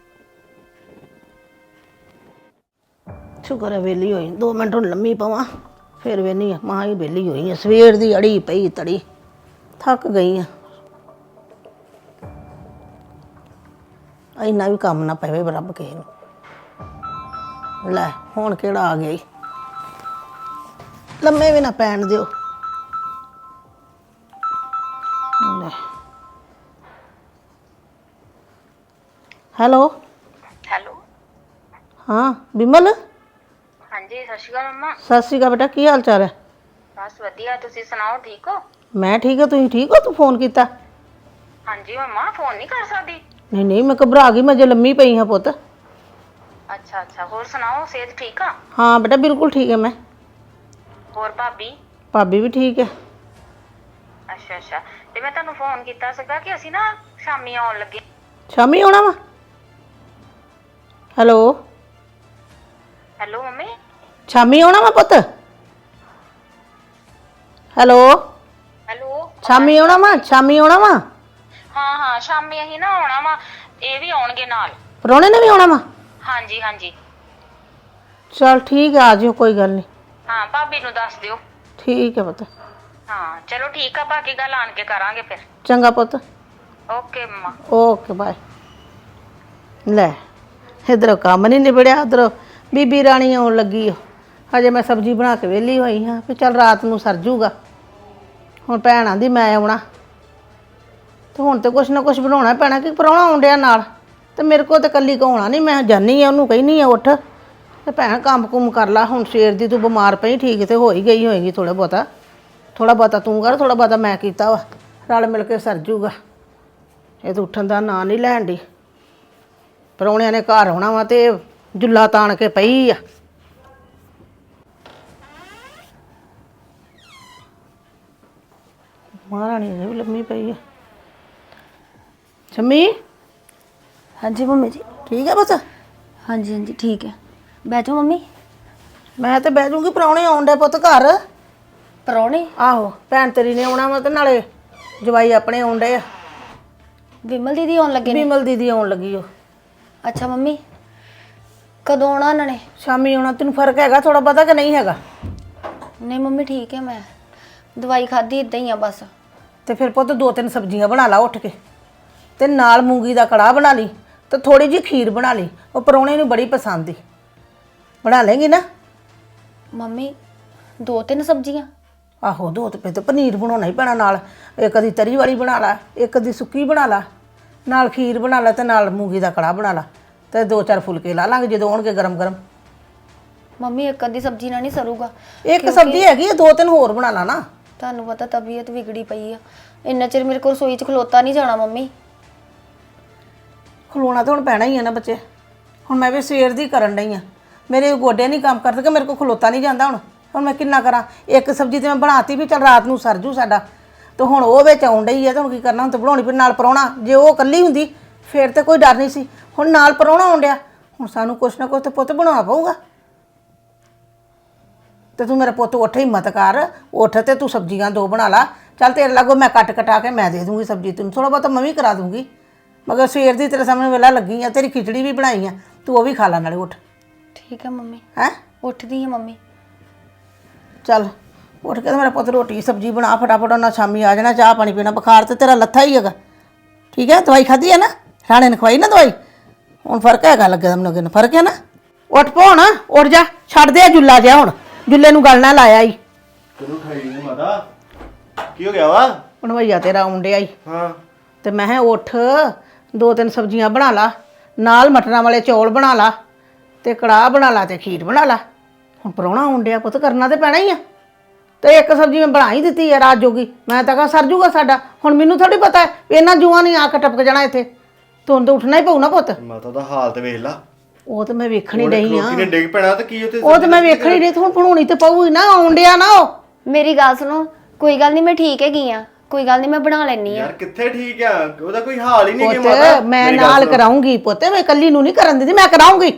E: ਸ਼ੁਕਰ ਹੈ ਵਿਹਲੀ ਹੋਈ, 2 ਮਿੰਟ ਹੁਣ ਲੰਮੀ ਪਵਾਂ ਫਿਰ ਵੇਹਨੀ ਆ। ਮਾਂ ਹੀ ਵਿਹਲੀ ਹੋਈ ਆ, ਸਵੇਰ ਦੀ ਅੜੀ ਪਈ ਤੜੀ, ਥੱਕ ਗਈ ਆ। ਇੰਨਾ ਵੀ ਕੰਮ ਨਾ ਪਵੇ ਰੱਬ ਕਿਸੇ ਨੂੰ। ਲੈ ਹੁਣ ਕਿਹੜਾ ਆ ਗਿਆ ਈ, ਲੰਮੇ ਵੀ ਨਾ ਪੈਣ ਦਿਓ। ਲੈ ਹੈਲੋ
H: ਹੈਲੋ,
E: ਹਾਂ ਬਿਮਲ,
H: ਹਾਂਜੀ ਸਤਿ ਸ਼੍ਰੀ ਅਕਾਲ ਮੰਮਾ।
E: ਸਤਿ ਸ਼੍ਰੀ ਅਕਾਲ ਬੇਟਾ, ਕੀ ਹਾਲ ਚਾਲ ਹੈ?
H: ਬਸ ਵਧੀਆ, ਤੁਸੀਂ ਸੁਣਾਓ, ਠੀਕ ਹੋ?
E: ਮੈਂ ਠੀਕ ਹਾਂ, ਤੁਸੀਂ ਠੀਕ ਹੋ? ਤੂੰ ਫੋਨ ਕੀਤਾ?
H: ਹਾਂਜੀ ਮੰਮਾ, ਫੋਨ ਨਹੀਂ ਕਰ ਸਕਦੀ?
E: ਨਹੀਂ ਨਹੀਂ, ਮੈਂ ਘਬਰਾ ਗਈ, ਮੈਂ ਜੇ ਲੰਮੀ ਪਈ ਹਾਂ ਪੁੱਤ।
H: ਅੱਛਾ ਅੱਛਾ, ਹੋਰ ਸੁਣਾਓ, ਸਿਹਤ ਠੀਕ ਆ?
E: ਹਾਂ ਬੇਟਾ ਬਿਲਕੁਲ ਠੀਕ ਹੈ ਮੈਂ।
H: ਹੋਰ ਭਾਬੀ?
E: ਭਾਬੀ ਵੀ ਠੀਕ ਹੈ।
H: ਅੱਛਾ ਅੱਛਾ, ਤੇ ਮੈਂ ਤੁਹਾਨੂੰ ਫੋਨ ਕੀਤਾ ਸੀਗਾ ਕਿ ਅਸੀਂ ਨਾ ਸ਼ਾਮੀ ਆਉਣ ਲੱਗੇ।
E: ਸ਼ਾਮੀ ਆਉਣਾ ਵਾ? Hello
H: hello mummy.
E: ਸ਼ਾਮੀ ਆਉਣਾ ਵਾ ਪੁੱਤ? ਹੈਲੋ
H: ਹੈਲੋ,
E: ਸ਼ਾਮੀ ਆਉਣਾ ਵਾ? ਸ਼ਾਮੀ ਆਉਣਾ ਵਾ?
H: ਹਾਂ ਹਾਂ, ਸ਼ਾਮੀ ਅਸੀਂ ਨਾ ਆਉਣਾ ਵਾ, ਇਹ ਵੀ ਆਉਣਗੇ ਨਾਲ।
E: ਪ੍ਰਾਹੁਣੇ ਨੇ ਵੀ ਆਉਣਾ ਵਾ?
H: ਹਾਂਜੀ ਹਾਂਜੀ।
E: ਚਲ ਠੀਕ ਹੈ, ਆ ਜਿਓ, ਕੋਈ ਗੱਲ ਨਹੀਂ।
H: ਹਾਂ, ਭਾਬੀ ਨੂੰ ਦੱਸ ਦਿਓ।
E: ਠੀਕ ਹੈ ਪੁੱਤ।
H: ਹਾਂ ਚਲੋ ਠੀਕ ਆ, ਬਾਕੀ ਗੱਲ ਆਣ ਕੇ ਕਰਾਂਗੇ ਫਿਰ।
E: ਚੰਗਾ ਪੁੱਤ।
H: ਓਕੇ ਮੰਮਾ।
E: Okay bye. ਲੈ ਇੱਧਰੋਂ ਕੰਮ ਨਹੀਂ ਨਿਬੜਿਆ, ਉੱਧਰੋਂ ਬੀਬੀ ਰਾਣੀ ਆਉਣ ਲੱਗੀ ਓ। ਹਜੇ ਮੈਂ ਸਬਜ਼ੀ ਬਣਾ ਕੇ ਵਿਹਲੀ ਹੋਈ ਹਾਂ ਵੀ ਚੱਲ ਰਾਤ ਨੂੰ ਸਰ ਜੂਗਾ। ਹੁਣ ਭੈਣ ਆਂਦੀ ਮੈਂ ਆਉਣਾ, ਤੇ ਹੁਣ ਤੇ ਕੁਛ ਨਾ ਕੁਛ ਬਣਾਉਣਾ ਪੈਣਾ ਕਿ ਪ੍ਰਾਹੁਣਾ ਆਉਣ ਡਿਆ ਨਾਲ, ਤੇ ਮੇਰੇ ਕੋਲ ਤੇ ਇਕੱਲੀ ਕੋ ਹੋਣਾ ਨਹੀਂ। ਮੈਂ ਜਾਨੀ ਆ, ਉਹਨੂੰ ਕਹਿੰਦੀ ਆ ਉੱਠ ਤੇ ਭੈਣ ਕੰਮ ਕੁਮ ਕਰ ਲਾ। ਹੁਣ ਸਵੇਰ ਦੀ ਤੂੰ ਬਿਮਾਰ ਪਈ, ਠੀਕ ਤੇ ਹੋ ਹੀ ਗਈ ਹੋਏਗੀ ਥੋੜਾ ਬਹੁਤਾ ਤੂੰ ਕਰ, ਥੋੜਾ ਬਹੁਤਾ ਮੈਂ ਕੀਤਾ ਵਾ, ਰਲ ਮਿਲ ਕੇ ਸਰ ਜੂਗਾ। ਇਹ ਤਾਂ ਉੱਠਣ ਦਾ ਨਾਂ ਨਹੀਂ ਲੈਣ ਦੀ। ਪ੍ਰਾਹੁਣਿਆਂ ਨੇ ਘਰ ਆਉਣਾ ਵਾ ਤੇ ਜੁੱਲਾ ਤਾਣ ਕੇ ਪਈ ਆ। ਮਹਾਰਾਣੀ ਨੇ ਵੀ ਲੰਮੀ ਪਈ ਆ। ਸ਼ਮੀ
G: ਹਾਂਜੀ ਮੰਮੀ ਜੀ।
E: ਠੀਕ ਹੈ ਬਸ
G: ਹਾਂਜੀ ਹਾਂਜੀ ਠੀਕ ਹੈ। ਬੈਠੋ ਮੰਮੀ।
E: ਮੈਂ ਤੇ ਬਹਿ ਜੂਗੀ ਪ੍ਰਾਹੁਣੇ ਆਉਣ ਦੇ ਪੁੱਤ ਘਰ।
G: ਪਰੌਣੇ?
E: ਆਹੋ ਭੈਣ ਤੇਰੀ ਨੇ ਆਉਣਾ ਵਾ ਤੇ ਨਾਲੇ ਜਵਾਈ ਆਪਣੇ ਆਉਣ ਡੇ ਆ।
G: ਵਿਮਲ ਦੀਦੀ ਆਉਣ ਲੱਗੇ ਨੇ?
E: ਵਿਮਲ ਦੀਦੀ ਆਉਣ ਲੱਗੀ ਉਹ।
G: ਅੱਛਾ ਮੰਮੀ, ਕਦੋਂ ਆਉਣਾ ਉਹਨਾਂ ਨੇ?
E: ਸ਼ਾਮੀ ਆਉਣਾ। ਤੈਨੂੰ ਫਰਕ ਹੈਗਾ ਥੋੜਾ ਪਤਾ ਕਿ ਨਹੀਂ ਹੈਗਾ?
G: ਨਹੀਂ ਮੰਮੀ ਠੀਕ ਹੈ, ਮੈਂ ਦਵਾਈ ਖਾਧੀ ਇਦਾਂ ਹੀ ਆ ਬਸ।
E: ਤੇ ਫਿਰ ਪੁੱਤ 2-3 ਸਬਜ਼ੀਆਂ ਬਣਾ ਲਾ ਉੱਠ ਕੇ, ਤੇ ਨਾਲ ਮੂੰਗੀ ਦਾ ਕੜਾਹ ਬਣਾ ਲਈ, ਤੇ ਥੋੜੀ ਜਿਹੀ ਖੀਰ ਬਣਾ ਲਈ। ਉਹ ਪਰੌਣੇ ਨੂੰ ਬੜੀ ਪਸੰਦ ਈ। ਬਣਾ ਲੇਂਗੀ ਨਾ?
G: ਮੰਮੀ 2-3 ਸਬਜ਼ੀਆਂ?
E: ਆਹੋ 2 ਤੇ ਫਿਰ ਤੇ ਪਨੀਰ ਬਣਾਉਣਾ ਹੀ ਪੈਣਾ ਨਾਲ। ਇੱਕ ਦੀ ਤਰੀ ਵਾਲੀ ਬਣਾ ਲਾ, ਇੱਕ ਦੀ ਸੁੱਕੀ ਬਣਾ ਲਾ, ਨਾਲ ਖੀਰ ਬਣਾ ਲਾ, ਤੇ ਨਾਲ ਮੂੰਗੀ ਦਾ ਕੜਾਹ ਬਣਾ ਲਾ, ਤੇ 2-4 ਫੁਲਕੇ ਲਾ ਲਾਂਗੇ ਜਦੋਂ ਆਉਣਗੇ ਗਰਮ ਗਰਮ।
G: ਮੰਮੀ ਇੱਕ ਅੱਧੀ ਸਬਜ਼ੀ ਨਾਲ ਨਹੀਂ ਸਰੂਗਾ।
E: ਇੱਕ ਸਬਜ਼ੀ ਹੈਗੀ ਆ, 2-3 ਹੋਰ ਬਣਾ ਲਾ ਨਾ।
G: ਤੁਹਾਨੂੰ ਪਤਾ ਤਬੀਅਤ ਵਿਗੜੀ ਪਈ ਆ, ਇੰਨਾ ਚਿਰ ਮੇਰੇ ਕੋਲ ਰਸੋਈ 'ਚ ਖਲੋਤਾ ਨਹੀਂ ਜਾਣਾ ਮੰਮੀ।
E: ਖਲੋਣਾ ਤਾਂ ਹੁਣ ਪੈਣਾ ਹੀ ਆ ਨਾ ਬੱਚੇ। ਹੁਣ ਮੈਂ ਵੀ ਸਵੇਰ ਦੀ ਕਰਨ ਡਈ ਆ, ਮੇਰੇ ਗੋਡੇ ਨਹੀਂ ਕੰਮ ਕਰਦੇ ਕਿ ਮੇਰੇ ਕੋਲ ਖਲੋਤਾ ਨਹੀਂ ਜਾਂਦਾ। ਹੁਣ ਮੈਂ ਕਿੰਨਾ ਕਰਾਂ? ਇੱਕ ਸਬਜ਼ੀ ਤੇ ਮੈਂ ਬਣਾਤੀ ਵੀ ਚੱਲ ਰਾਤ ਨੂੰ ਸਰਜੂ ਸਾਡਾ, ਤੇ ਹੁਣ ਉਹ ਵਿੱਚ ਆਉਣ ਡਈ ਆ, ਤੇ ਹੁਣ ਕੀ ਕਰਨਾ? ਹੁਣ ਤਾਂ ਬਣਾਉਣੀ ਫਿਰ ਨਾਲ ਪਰੌਣਾ। ਜੇ ਉਹ ਇਕੱਲੀ ਹੁੰਦੀ ਫਿਰ ਤੇ ਕੋਈ ਡਰ ਨਹੀਂ ਸੀ, ਹੁਣ ਨਾਲ ਪਰੌਣਾ ਆਉਣ ਡਿਆ, ਹੁਣ ਸਾਨੂੰ ਕੁਛ ਨਾ ਕੁਛ ਤੇ ਪੁੱਤ ਬਣਾਉਣਾ ਪਊਗਾ। ਤੇ ਤੂੰ ਮੇਰਾ ਪੁੱਤ ਉੱਠ, ਹਿੰਮਤ ਕਰ, ਉੱਠ ਤੇ ਤੂੰ ਸਬਜ਼ੀਆਂ 2 ਬਣਾ ਲਾ। ਚੱਲ ਤੇਰੇ ਲਾਗੋ ਮੈਂ ਕੱਟ ਕਟਾ ਕੇ ਮੈਂ ਦੇ ਦੂੰਗੀ ਸਬਜ਼ੀ, ਤੈਨੂੰ ਥੋੜਾ ਬਹੁਤਾ ਮੈਂ ਵੀ ਕਰਾ ਦੂੰਗੀ। ਮਗਰ ਸਵੇਰ ਦੀ ਤੇਰੇ ਸਾਹਮਣੇ ਵੇਲਾ ਲੱਗੀ ਆ, ਤੇਰੀ ਖਿਚੜੀ ਵੀ ਬਣਾਈ ਆ, ਤੂੰ ਉਹ ਵੀ ਖਾ ਲੈ ਨਾਲੇ। ਉੱਠ।
G: ਠੀਕ ਹੈ ਮੰਮੀ,
E: ਹੈਂ?
G: ਉੱਠਦੀ ਆ ਮੰਮੀ।
E: ਚੱਲ ਉੱਠ ਕੇ ਤੇ ਮੇਰਾ ਪੁੱਤ ਰੋਟੀ ਸਬਜ਼ੀ ਬਣਾ ਫਟਾਫਟ, ਉਹਨਾਂ ਸ਼ਾਮੀ ਆ ਜਾਣਾ। ਚਾਹ ਪਾਣੀ ਪੀਣਾ, ਬੁਖਾਰ ਤੇ ਤੇਰਾ ਲੱਥਾ ਹੀ ਹੈਗਾ। ਠੀਕ ਹੈ? ਦਵਾਈ ਖਾਧੀ ਹੈ ਨਾ? ਰਾਣੇ ਨੇ ਖਵਾਈ ਨਾ ਦਵਾਈ? ਹੁਣ ਫਰਕ ਹੈਗਾ ਲੱਗੇ ਮੈਨੂੰ, ਕਿਨ ਫਰਕ ਹੈ ਨਾ? ਉੱਠ ਪੋ ਹੁਣ, ਉੱਠ ਜਾ, ਛੱਡ ਦੇ ਜੁੱਲਾ ਜਿਹਾ। ਹੁਣ ਜੁੱਲੇ ਨੂੰ ਗੱਲ ਨਾ ਲਾਇਆ ਈ।
F: ਤੈਨੂੰ ਠਾਈ ਨਹੀਂ ਮਾਤਾ, ਕੀ ਹੋ ਗਿਆ ਵਾ?
E: ਬਣਵਈਆ ਤੇਰਾ ਆਉਣ ਡਿਆ ਈ,
F: ਹਾਂ
E: ਤੇ ਮੈਂ ਕਿਹਾ ਉੱਠ 2-3 ਸਬਜ਼ੀਆਂ ਬਣਾ ਲਾ, ਨਾਲ ਮਟਰਾਂ ਵਾਲੇ ਚੌਲ ਬਣਾ ਲਾ, ਤੇ ਕੜਾਹ ਬਣਾ ਲਾ, ਤੇ ਖੀਰ ਬਣਾ ਲਾ। ਹੁਣ ਪ੍ਰਾਹੁਣਾ ਆਉਣ ਡਿਆ ਪੁੱਤ, ਕਰਨਾ ਤੇ ਪੈਣਾ ਹੀ ਆ। ਤੇ ਇੱਕ ਸਬਜ਼ੀ ਮੈਂ ਬਣਾ ਹੀ ਦਿੱਤੀ ਹੈ ਰਾਤ ਜੋਗੀ, ਮੈਂ ਤਾਂ ਕਹਾਂ ਸਰ ਜੂਗਾ ਸਾਡਾ। ਹੁਣ ਮੈਨੂੰ ਥੋੜੀ ਪਤਾ ਹੈ ਇਹਨਾਂ ਜੂਆਂ ਨਹੀਂ ਆ ਕੇ ਟਪਕ ਜਾਣਾ ਇੱਥੇ। ਤੁਹਾਨੂੰ ਤਾਂ ਉੱਠਣਾ ਹੀ ਪਊ ਨਾ ਪੁੱਤ।
F: ਮਾਤਾ ਦਾ ਹਾਲ ਤੇ ਵੇਖ ਲਾ।
E: ਉਹ ਤਾਂ ਮੈਂ ਵੇਖਣ ਹੀ ਰਹੀ ਆ,
F: ਲੋਕੀ ਨੇ ਡਿੱਗ ਪੈਣਾ ਤੇ ਕੀ ਉੱਥੇ?
E: ਉਹ ਤਾਂ ਮੈਂ ਵੇਖਣ ਹੀ ਰਹੀ। ਹੁਣ ਬਣਾਉਣੀ ਤੇ ਪਊ ਹੀ ਨਾ, ਆਉਣ ਡਿਆ ਨਾ ਉਹ।
G: ਮੇਰੀ ਗੱਲ ਸੁਣੋ, ਕੋਈ ਗੱਲ ਨਹੀਂ, ਮੈਂ ਠੀਕ ਹੈਗੀ ਆ, ਕੋਈ ਗੱਲ ਨਹੀਂ, ਮੈਂ ਬਣਾ ਲੈਣੀ ਆ।
F: ਯਾਰ ਕਿੱਥੇ ਠੀਕ ਆ? ਉਹਦਾ ਕੋਈ ਹਾਲ ਹੀ ਨਹੀਂ ਕਿ ਮਾਤਾ।
E: ਪੁੱਤ ਮੈਂ ਨਾਲ ਕਰਾਉਂਗੀ ਪੁੱਤ, ਮੈਂ ਇਕੱਲੀ ਨੂੰ ਨਹੀਂ ਕਰਨ ਦਿੰਦੀ, ਮੈਂ ਕਰਾਉਂਗੀ।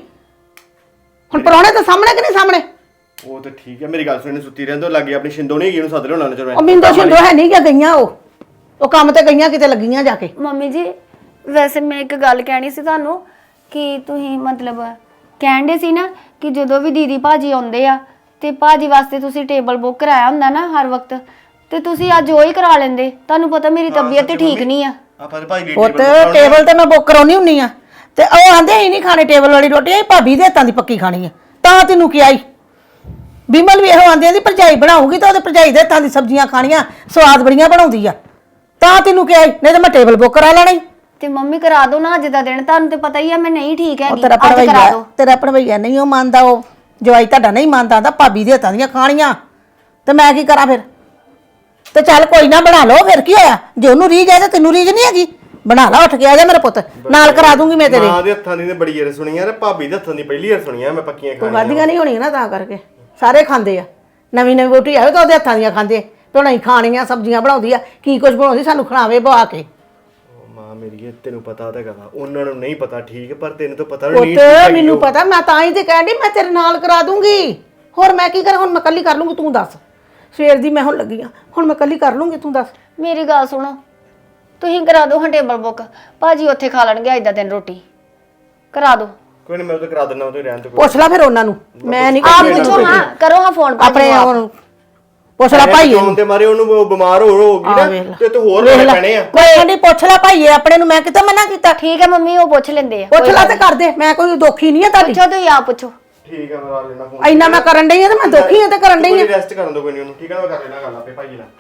E: ਹੁਣ ਪ੍ਰਾਹੁਣੇ ਤਾਂ ਸਾਹਮਣੇ ਕਿ ਨਹੀਂ ਸਾਹਮਣੇ?
F: ਉਹ ਤਾਂ ਠੀਕ ਹੈ, ਮੇਰੀ ਗੱਲ ਸੁਣ, ਸੁੱਤੀ ਰਹਿੰਦੋ ਲੱਗੇ ਆਪਣੀ ਸ਼ਿੰਦੋ ਨਹੀਂ ਗਈ, ਉਹਨੂੰ ਸੱਦ ਲਿਓ ਨਾ ਚਲੋ।
E: ਉਹ ਮਿੰਦੋ ਸ਼ਿੰਦੋ ਹੈ ਨਹੀਂ ਕਿ ਗਈਆਂ, ਉਹ ਕੰਮ ਤੇ ਗਈਆਂ, ਕਿਤੇ ਲੱਗੀਆਂ ਜਾ ਕੇ।
G: ਮੰਮੀ ਜੀ ਵੈਸੇ ਮੈਂ ਇੱਕ ਗੱਲ ਕਹਿਣੀ ਸੀ ਤੁਹਾਨੂੰ, ਕਿ ਤੁਸੀਂ ਮਤਲਬ ਕਹਿੰਦੇ ਸੀ ਨਾ ਕਿ ਜਦੋਂ ਵੀ ਦੀਦੀ ਭਾਜੀ ਆਉਂਦੇ ਆ ਤੇ ਭਾਜੀ ਵਾਸਤੇ ਤੁਸੀਂ ਟੇਬਲ ਬੁੱਕ ਕਰਾਇਆ ਹੁੰਦਾ ਨਾ ਹਰ ਵਕਤ, ਤੇ ਤੁਸੀਂ ਅੱਜ ਉਹ ਹੀ ਕਰਾ ਲੈਂਦੇ। ਤੁਹਾਨੂੰ ਪਤਾ ਮੇਰੀ ਤਬੀਅਤ ਤੇ ਠੀਕ ਨਹੀਂ ਆ।
F: ਆਪਾਂ ਤੇ ਭਾਈ
E: ਪੁੱਤ ਟੇਬਲ ਤੇ ਮੈਂ ਬੁੱਕ ਕਰਾਉਣੀ ਹੁੰਨੀ ਆ, ਤੇ ਉਹ ਆਂਦੇ ਹੀ ਨਹੀਂ ਖਾਣੇ ਟੇਬਲ ਵਾਲੀ ਰੋਟੀ, ਇਹ ਭਾਬੀ ਦੇ ਹੱਥਾਂ ਦੀ ਪੱਕੀ ਖਾਣੀ ਆ। ਤਾਂ ਤੈਨੂੰ ਕੀ ਆਈ? ਬਿਮਲ ਵੀ ਇਹੋ ਆਂਦੀ ਆਂਦੀ ਭਰਜਾਈ ਬਣਾਉਗੀ ਤਾਂ ਉਹਦੇ ਭਰਜਾਈ ਦੇ ਹੱਥਾਂ ਦੀ ਸਬਜ਼ੀਆਂ ਖਾਣੀਆਂ, ਸਵਾਦ ਬੜੀਆਂ ਬਣਾਉਂਦੀ ਆ। ਤਾਂ ਤੈਨੂੰ ਕੀ ਆਈ? ਨਹੀਂ ਤਾਂ ਮੈਂ ਟੇਬਲ ਬੁੱਕ ਕਰਾ ਲੈਣਾ ਈ।
G: ਤੇ ਮੰਮੀ ਕਰਾ ਦੋ ਨਾ ਅੱਜ ਦਾ ਦਿਨ, ਤੁਹਾਨੂੰ ਤੇ ਪਤਾ ਹੀ ਆ ਮੈਂ ਨਹੀਂ ਠੀਕ
E: ਉਹ
G: ਹੈਗੀ।
E: ਤੇਰਾ
G: ਅੱਜ ਕਰਾ
E: ਭਰਵਈਆ,
G: ਦੋ।
E: ਤੇਰਾ ਭਰਵਈਆ ਨਹੀਂ ਉਹ ਮੰਨਦਾ, ਉਹ ਜਵਾਈ ਤੁਹਾਡਾ ਨਹੀਂ ਮੰਨਦਾ, ਆਂਦਾ ਭਾਬੀ ਦੇ ਹੱਥਾਂ ਦੀਆਂ ਖਾਣੀਆਂ। ਤੇ ਮੈਂ ਕੀ ਕਰਾਂ ਫਿਰ? ਤੇ ਚੱਲ ਕੋਈ ਨਾ ਬਣਾ ਲਓ, ਫਿਰ ਕੀ ਹੋਇਆ? ਜੇ ਉਹਨੂੰ ਰੀਝ ਹੈ ਤਾਂ ਤੈਨੂੰ ਰੀਝ ਨਹੀਂ ਹੈਗੀ। ਬਣਾ ਲਾ, ਉੱਠ ਕੇ ਆ ਜਾ ਮੇਰਾ ਪੁੱਤ, ਨਾਲ ਕਰਾ ਦੂੰਗੀ ਮੈਂ ਤੇਰੇ।
F: ਮਾਂ ਦੇ ਹੱਥਾਂ ਦੀ ਤੇ ਬੜੀ ਵਾਰ ਸੁਣੀ ਆ, ਤੇ ਭਾਬੀ ਦੇ ਹੱਥਾਂ ਦੀ ਪਹਿਲੀ ਵਾਰ ਸੁਣੀ ਆ ਮੈਂ ਪੱਕੀਆਂ
E: ਤੂੰ
F: ਖਾਣੀਆਂ।
E: ਵਾਧੀਆਂ ਨਹੀਂ ਹੋਣੀਆਂ ਨਾ, ਤਾਂ ਕਰਕੇ ਸਾਰੇ ਖਾਂਦੇ ਆ। ਨਵੀਂ ਨਵੀਂ ਵੋਟੀ ਆਵੇ ਤਾਂ ਉਹਦੇ ਹੱਥਾਂ ਦੀਆਂ ਖਾਂਦੇ, ਤੇ ਨਹੀਂ ਖਾਣੀਆਂ ਸਬਜ਼ੀਆਂ ਬਣਾਉਂਦੀ ਆ, ਕੀ ਕੁਝ ਬਣਾਉਂਦੀ, ਸਾਨੂੰ ਖਿਲਾਵੇ ਬਵਾ ਕੇ।
F: ਮਾਂ ਮੇਰੀ ਇਹ ਤੈਨੂੰ ਪਤਾ ਤਾਂ ਹੈਗਾ, ਉਹਨਾਂ ਨੂੰ ਨਹੀਂ ਪਤਾ ਠੀਕ, ਪਰ ਤੈਨੂੰ ਤਾਂ ਪਤਾ ਨਹੀਂ।
E: ਪੁੱਤ ਮੈਨੂੰ ਪਤਾ, ਮੈਂ ਤਾਂ ਹੀ ਤੇ ਕਹਿੰਦੀ ਮੈਂ ਤੇਰੇ ਨਾਲ ਕਰਾ ਦੂੰਗੀ। ਹੋਰ ਮੈਂ ਕੀ ਕਰਾਂ? ਹੁਣ ਮੈਂ ਇਕੱਲੀ ਕਰ ਲੂੰਗੀ, ਤੂੰ ਦੱਸ। ਸਵੇਰ ਦੀ ਮੈਂ ਹੁਣ ਲੱਗੀ ਆ, ਹੁਣ ਮੈਂ ਇਕੱਲੀ ਕਰ ਲੂੰਗੀ, ਤੂੰ ਦੱਸ।
G: ਮੇਰੀ ਗੱਲ ਸੁਣੋ, ਤੁਸੀਂ ਕਰਾ ਦਿਓ ਹਾਂ ਟੇਬਲ ਬੁੱਕ, ਭਾਜੀ ਉੱਥੇ ਖਾ ਲੈਣਗੇ ਅੱਜ ਦਾ ਦਿਨ ਰੋਟੀ। ਕਰਾ ਦਿਓ।
F: ਕੋਈ ਨਹੀਂ, ਮੈਂ ਉਹ ਤਾਂ ਕਰਾ ਦਿੰਦਾ, ਉਹ ਤੇ ਰਹਿਣ ਤੋਂ।
E: ਪੁੱਛ ਲੈ ਫਿਰ ਉਹਨਾਂ ਨੂੰ, ਮੈਂ ਨਹੀਂ
G: ਆਪ ਪੁੱਛੋ ਹਾਂ, ਕਰੋ ਹਾਂ ਫੋਨ
E: ਆਪਣੇ ਉਹਨੂੰ ਪੁੱਛ ਲੈ ਭਾਈ
F: ਫੋਨ ਤੇ ਮਾਰੇ ਉਹਨੂੰ, ਉਹ ਬਿਮਾਰ ਹੋ ਗਈ ਨਾ, ਤੇ ਹੋਰ ਲੈਣੇ ਪੈਣੇ ਆ।
E: ਕੋਈ ਕਹਿੰਦੀ ਪੁੱਛ ਲੈ ਭਾਈਏ ਆਪਣੇ ਨੂੰ, ਮੈਂ ਕਿਤੇ ਮਨਾ ਕੀਤਾ?
G: ਠੀਕ ਹੈ ਮੰਮੀ, ਉਹ ਪੁੱਛ ਲੈਂਦੇ ਆ।
E: ਪੁੱਛ ਲੈ ਤੇ ਕਰ ਦੇ, ਮੈਂ ਕੋਈ ਦੋਖੀ ਨਹੀਂ ਆ ਤੁਹਾਡੀ।
G: ਪੁੱਛੋ ਤੁਸੀਂ ਆਪ ਪੁੱਛੋ।
F: ਠੀਕ ਹੈ, ਮੈਂ ਲਾ ਲੈਣਾ ਫੋਨ।
E: ਇੰਨਾ ਮੈਂ ਕਰਨ ਡਈ ਆ ਤੇ ਮੈਂ ਦੋਖੀ ਆ ਤੇ ਕਰਨ ਡਈ ਆ।
F: ਰੈਸਟ ਕਰਨ ਦੋ ਕੋਈ ਨਹੀਂ ਉਹਨੂੰ, ਠੀਕ ਹੈ? ਮੈਂ ਕਰ ਲੈਣਾ ਗੱਲ ਆਪੇ ਭਾਈ ਨਾਲ।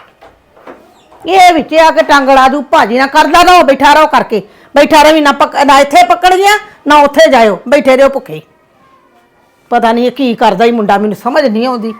E: ਇਹ ਵਿੱਚ ਆ ਕੇ ਟੰਗ ਲਾ ਦੂ ਭਾਜੀ ਨਾ, ਕਰਦਾ ਰਹੋ, ਬੈਠਾ ਰਹੋ ਕਰਕੇ, ਬੈਠਾ ਰਹੀ ਨਾ ਨਾ ਇੱਥੇ ਪਕੜ ਗਿਆ ਨਾ ਉੱਥੇ ਜਾਇਓ, ਬੈਠੇ ਰਹੋ ਭੁੱਖੇ। ਪਤਾ ਨਹੀਂ ਇਹ ਕੀ ਕਰਦਾ ਹੀ ਮੁੰਡਾ, ਮੈਨੂੰ ਸਮਝ ਨਹੀਂ ਆਉਂਦੀ।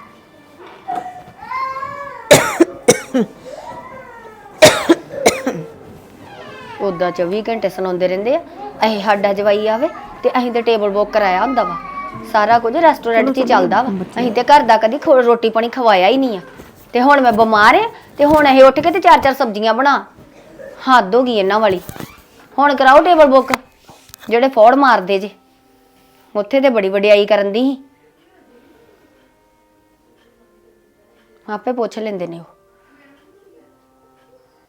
G: ਉਦਾਂ 24 ਘੰਟੇ ਸੁਣਾਉਂਦੇ ਰਹਿੰਦੇ ਆ, ਅਸੀਂ ਸਾਡਾ ਜਵਾਈ ਆਵੇ ਤੇ ਅਸੀਂ ਤੇ ਟੇਬਲ ਬੁੱਕ ਕਰਾਇਆ ਹੁੰਦਾ ਵਾ। ਸਾਰਾ ਕੁਝ ਰੈਸਟੋਰੈਂਟ 'ਚ ਹੀ ਚੱਲਦਾ ਵਾ, ਅਸੀਂ ਤੇ ਘਰ ਦਾ ਕਦੀ ਰੋਟੀ ਪਾਣੀ ਖਵਾਇਆ ਹੀ ਨਹੀਂ ਆ। ਤੇ ਹੁਣ ਮੈਂ ਬਿਮਾਰ ਆ ਤੇ ਹੁਣ ਇਹ ਉੱਠ ਕੇ ਤੇ 4-4 ਸਬਜ਼ੀਆਂ ਬਣਾ, ਹੱਦ ਹੋ ਗਈ ਇਹਨਾਂ ਵਾਲੀ। ਹੁਣ ਕਰਾਓ ਟੇਬਲ ਬੁੱਕ, ਜਿਹੜੇ ਫੋੜ ਮਾਰਦੇ ਜੇ ਉੱਥੇ ਤੇ ਬੜੀ ਵਡਿਆਈ ਕਰਨ ਦੀ ਸੀ। ਆਪੇ ਪੁੱਛ ਲੈਂਦੇ ਨੇ ਉਹ।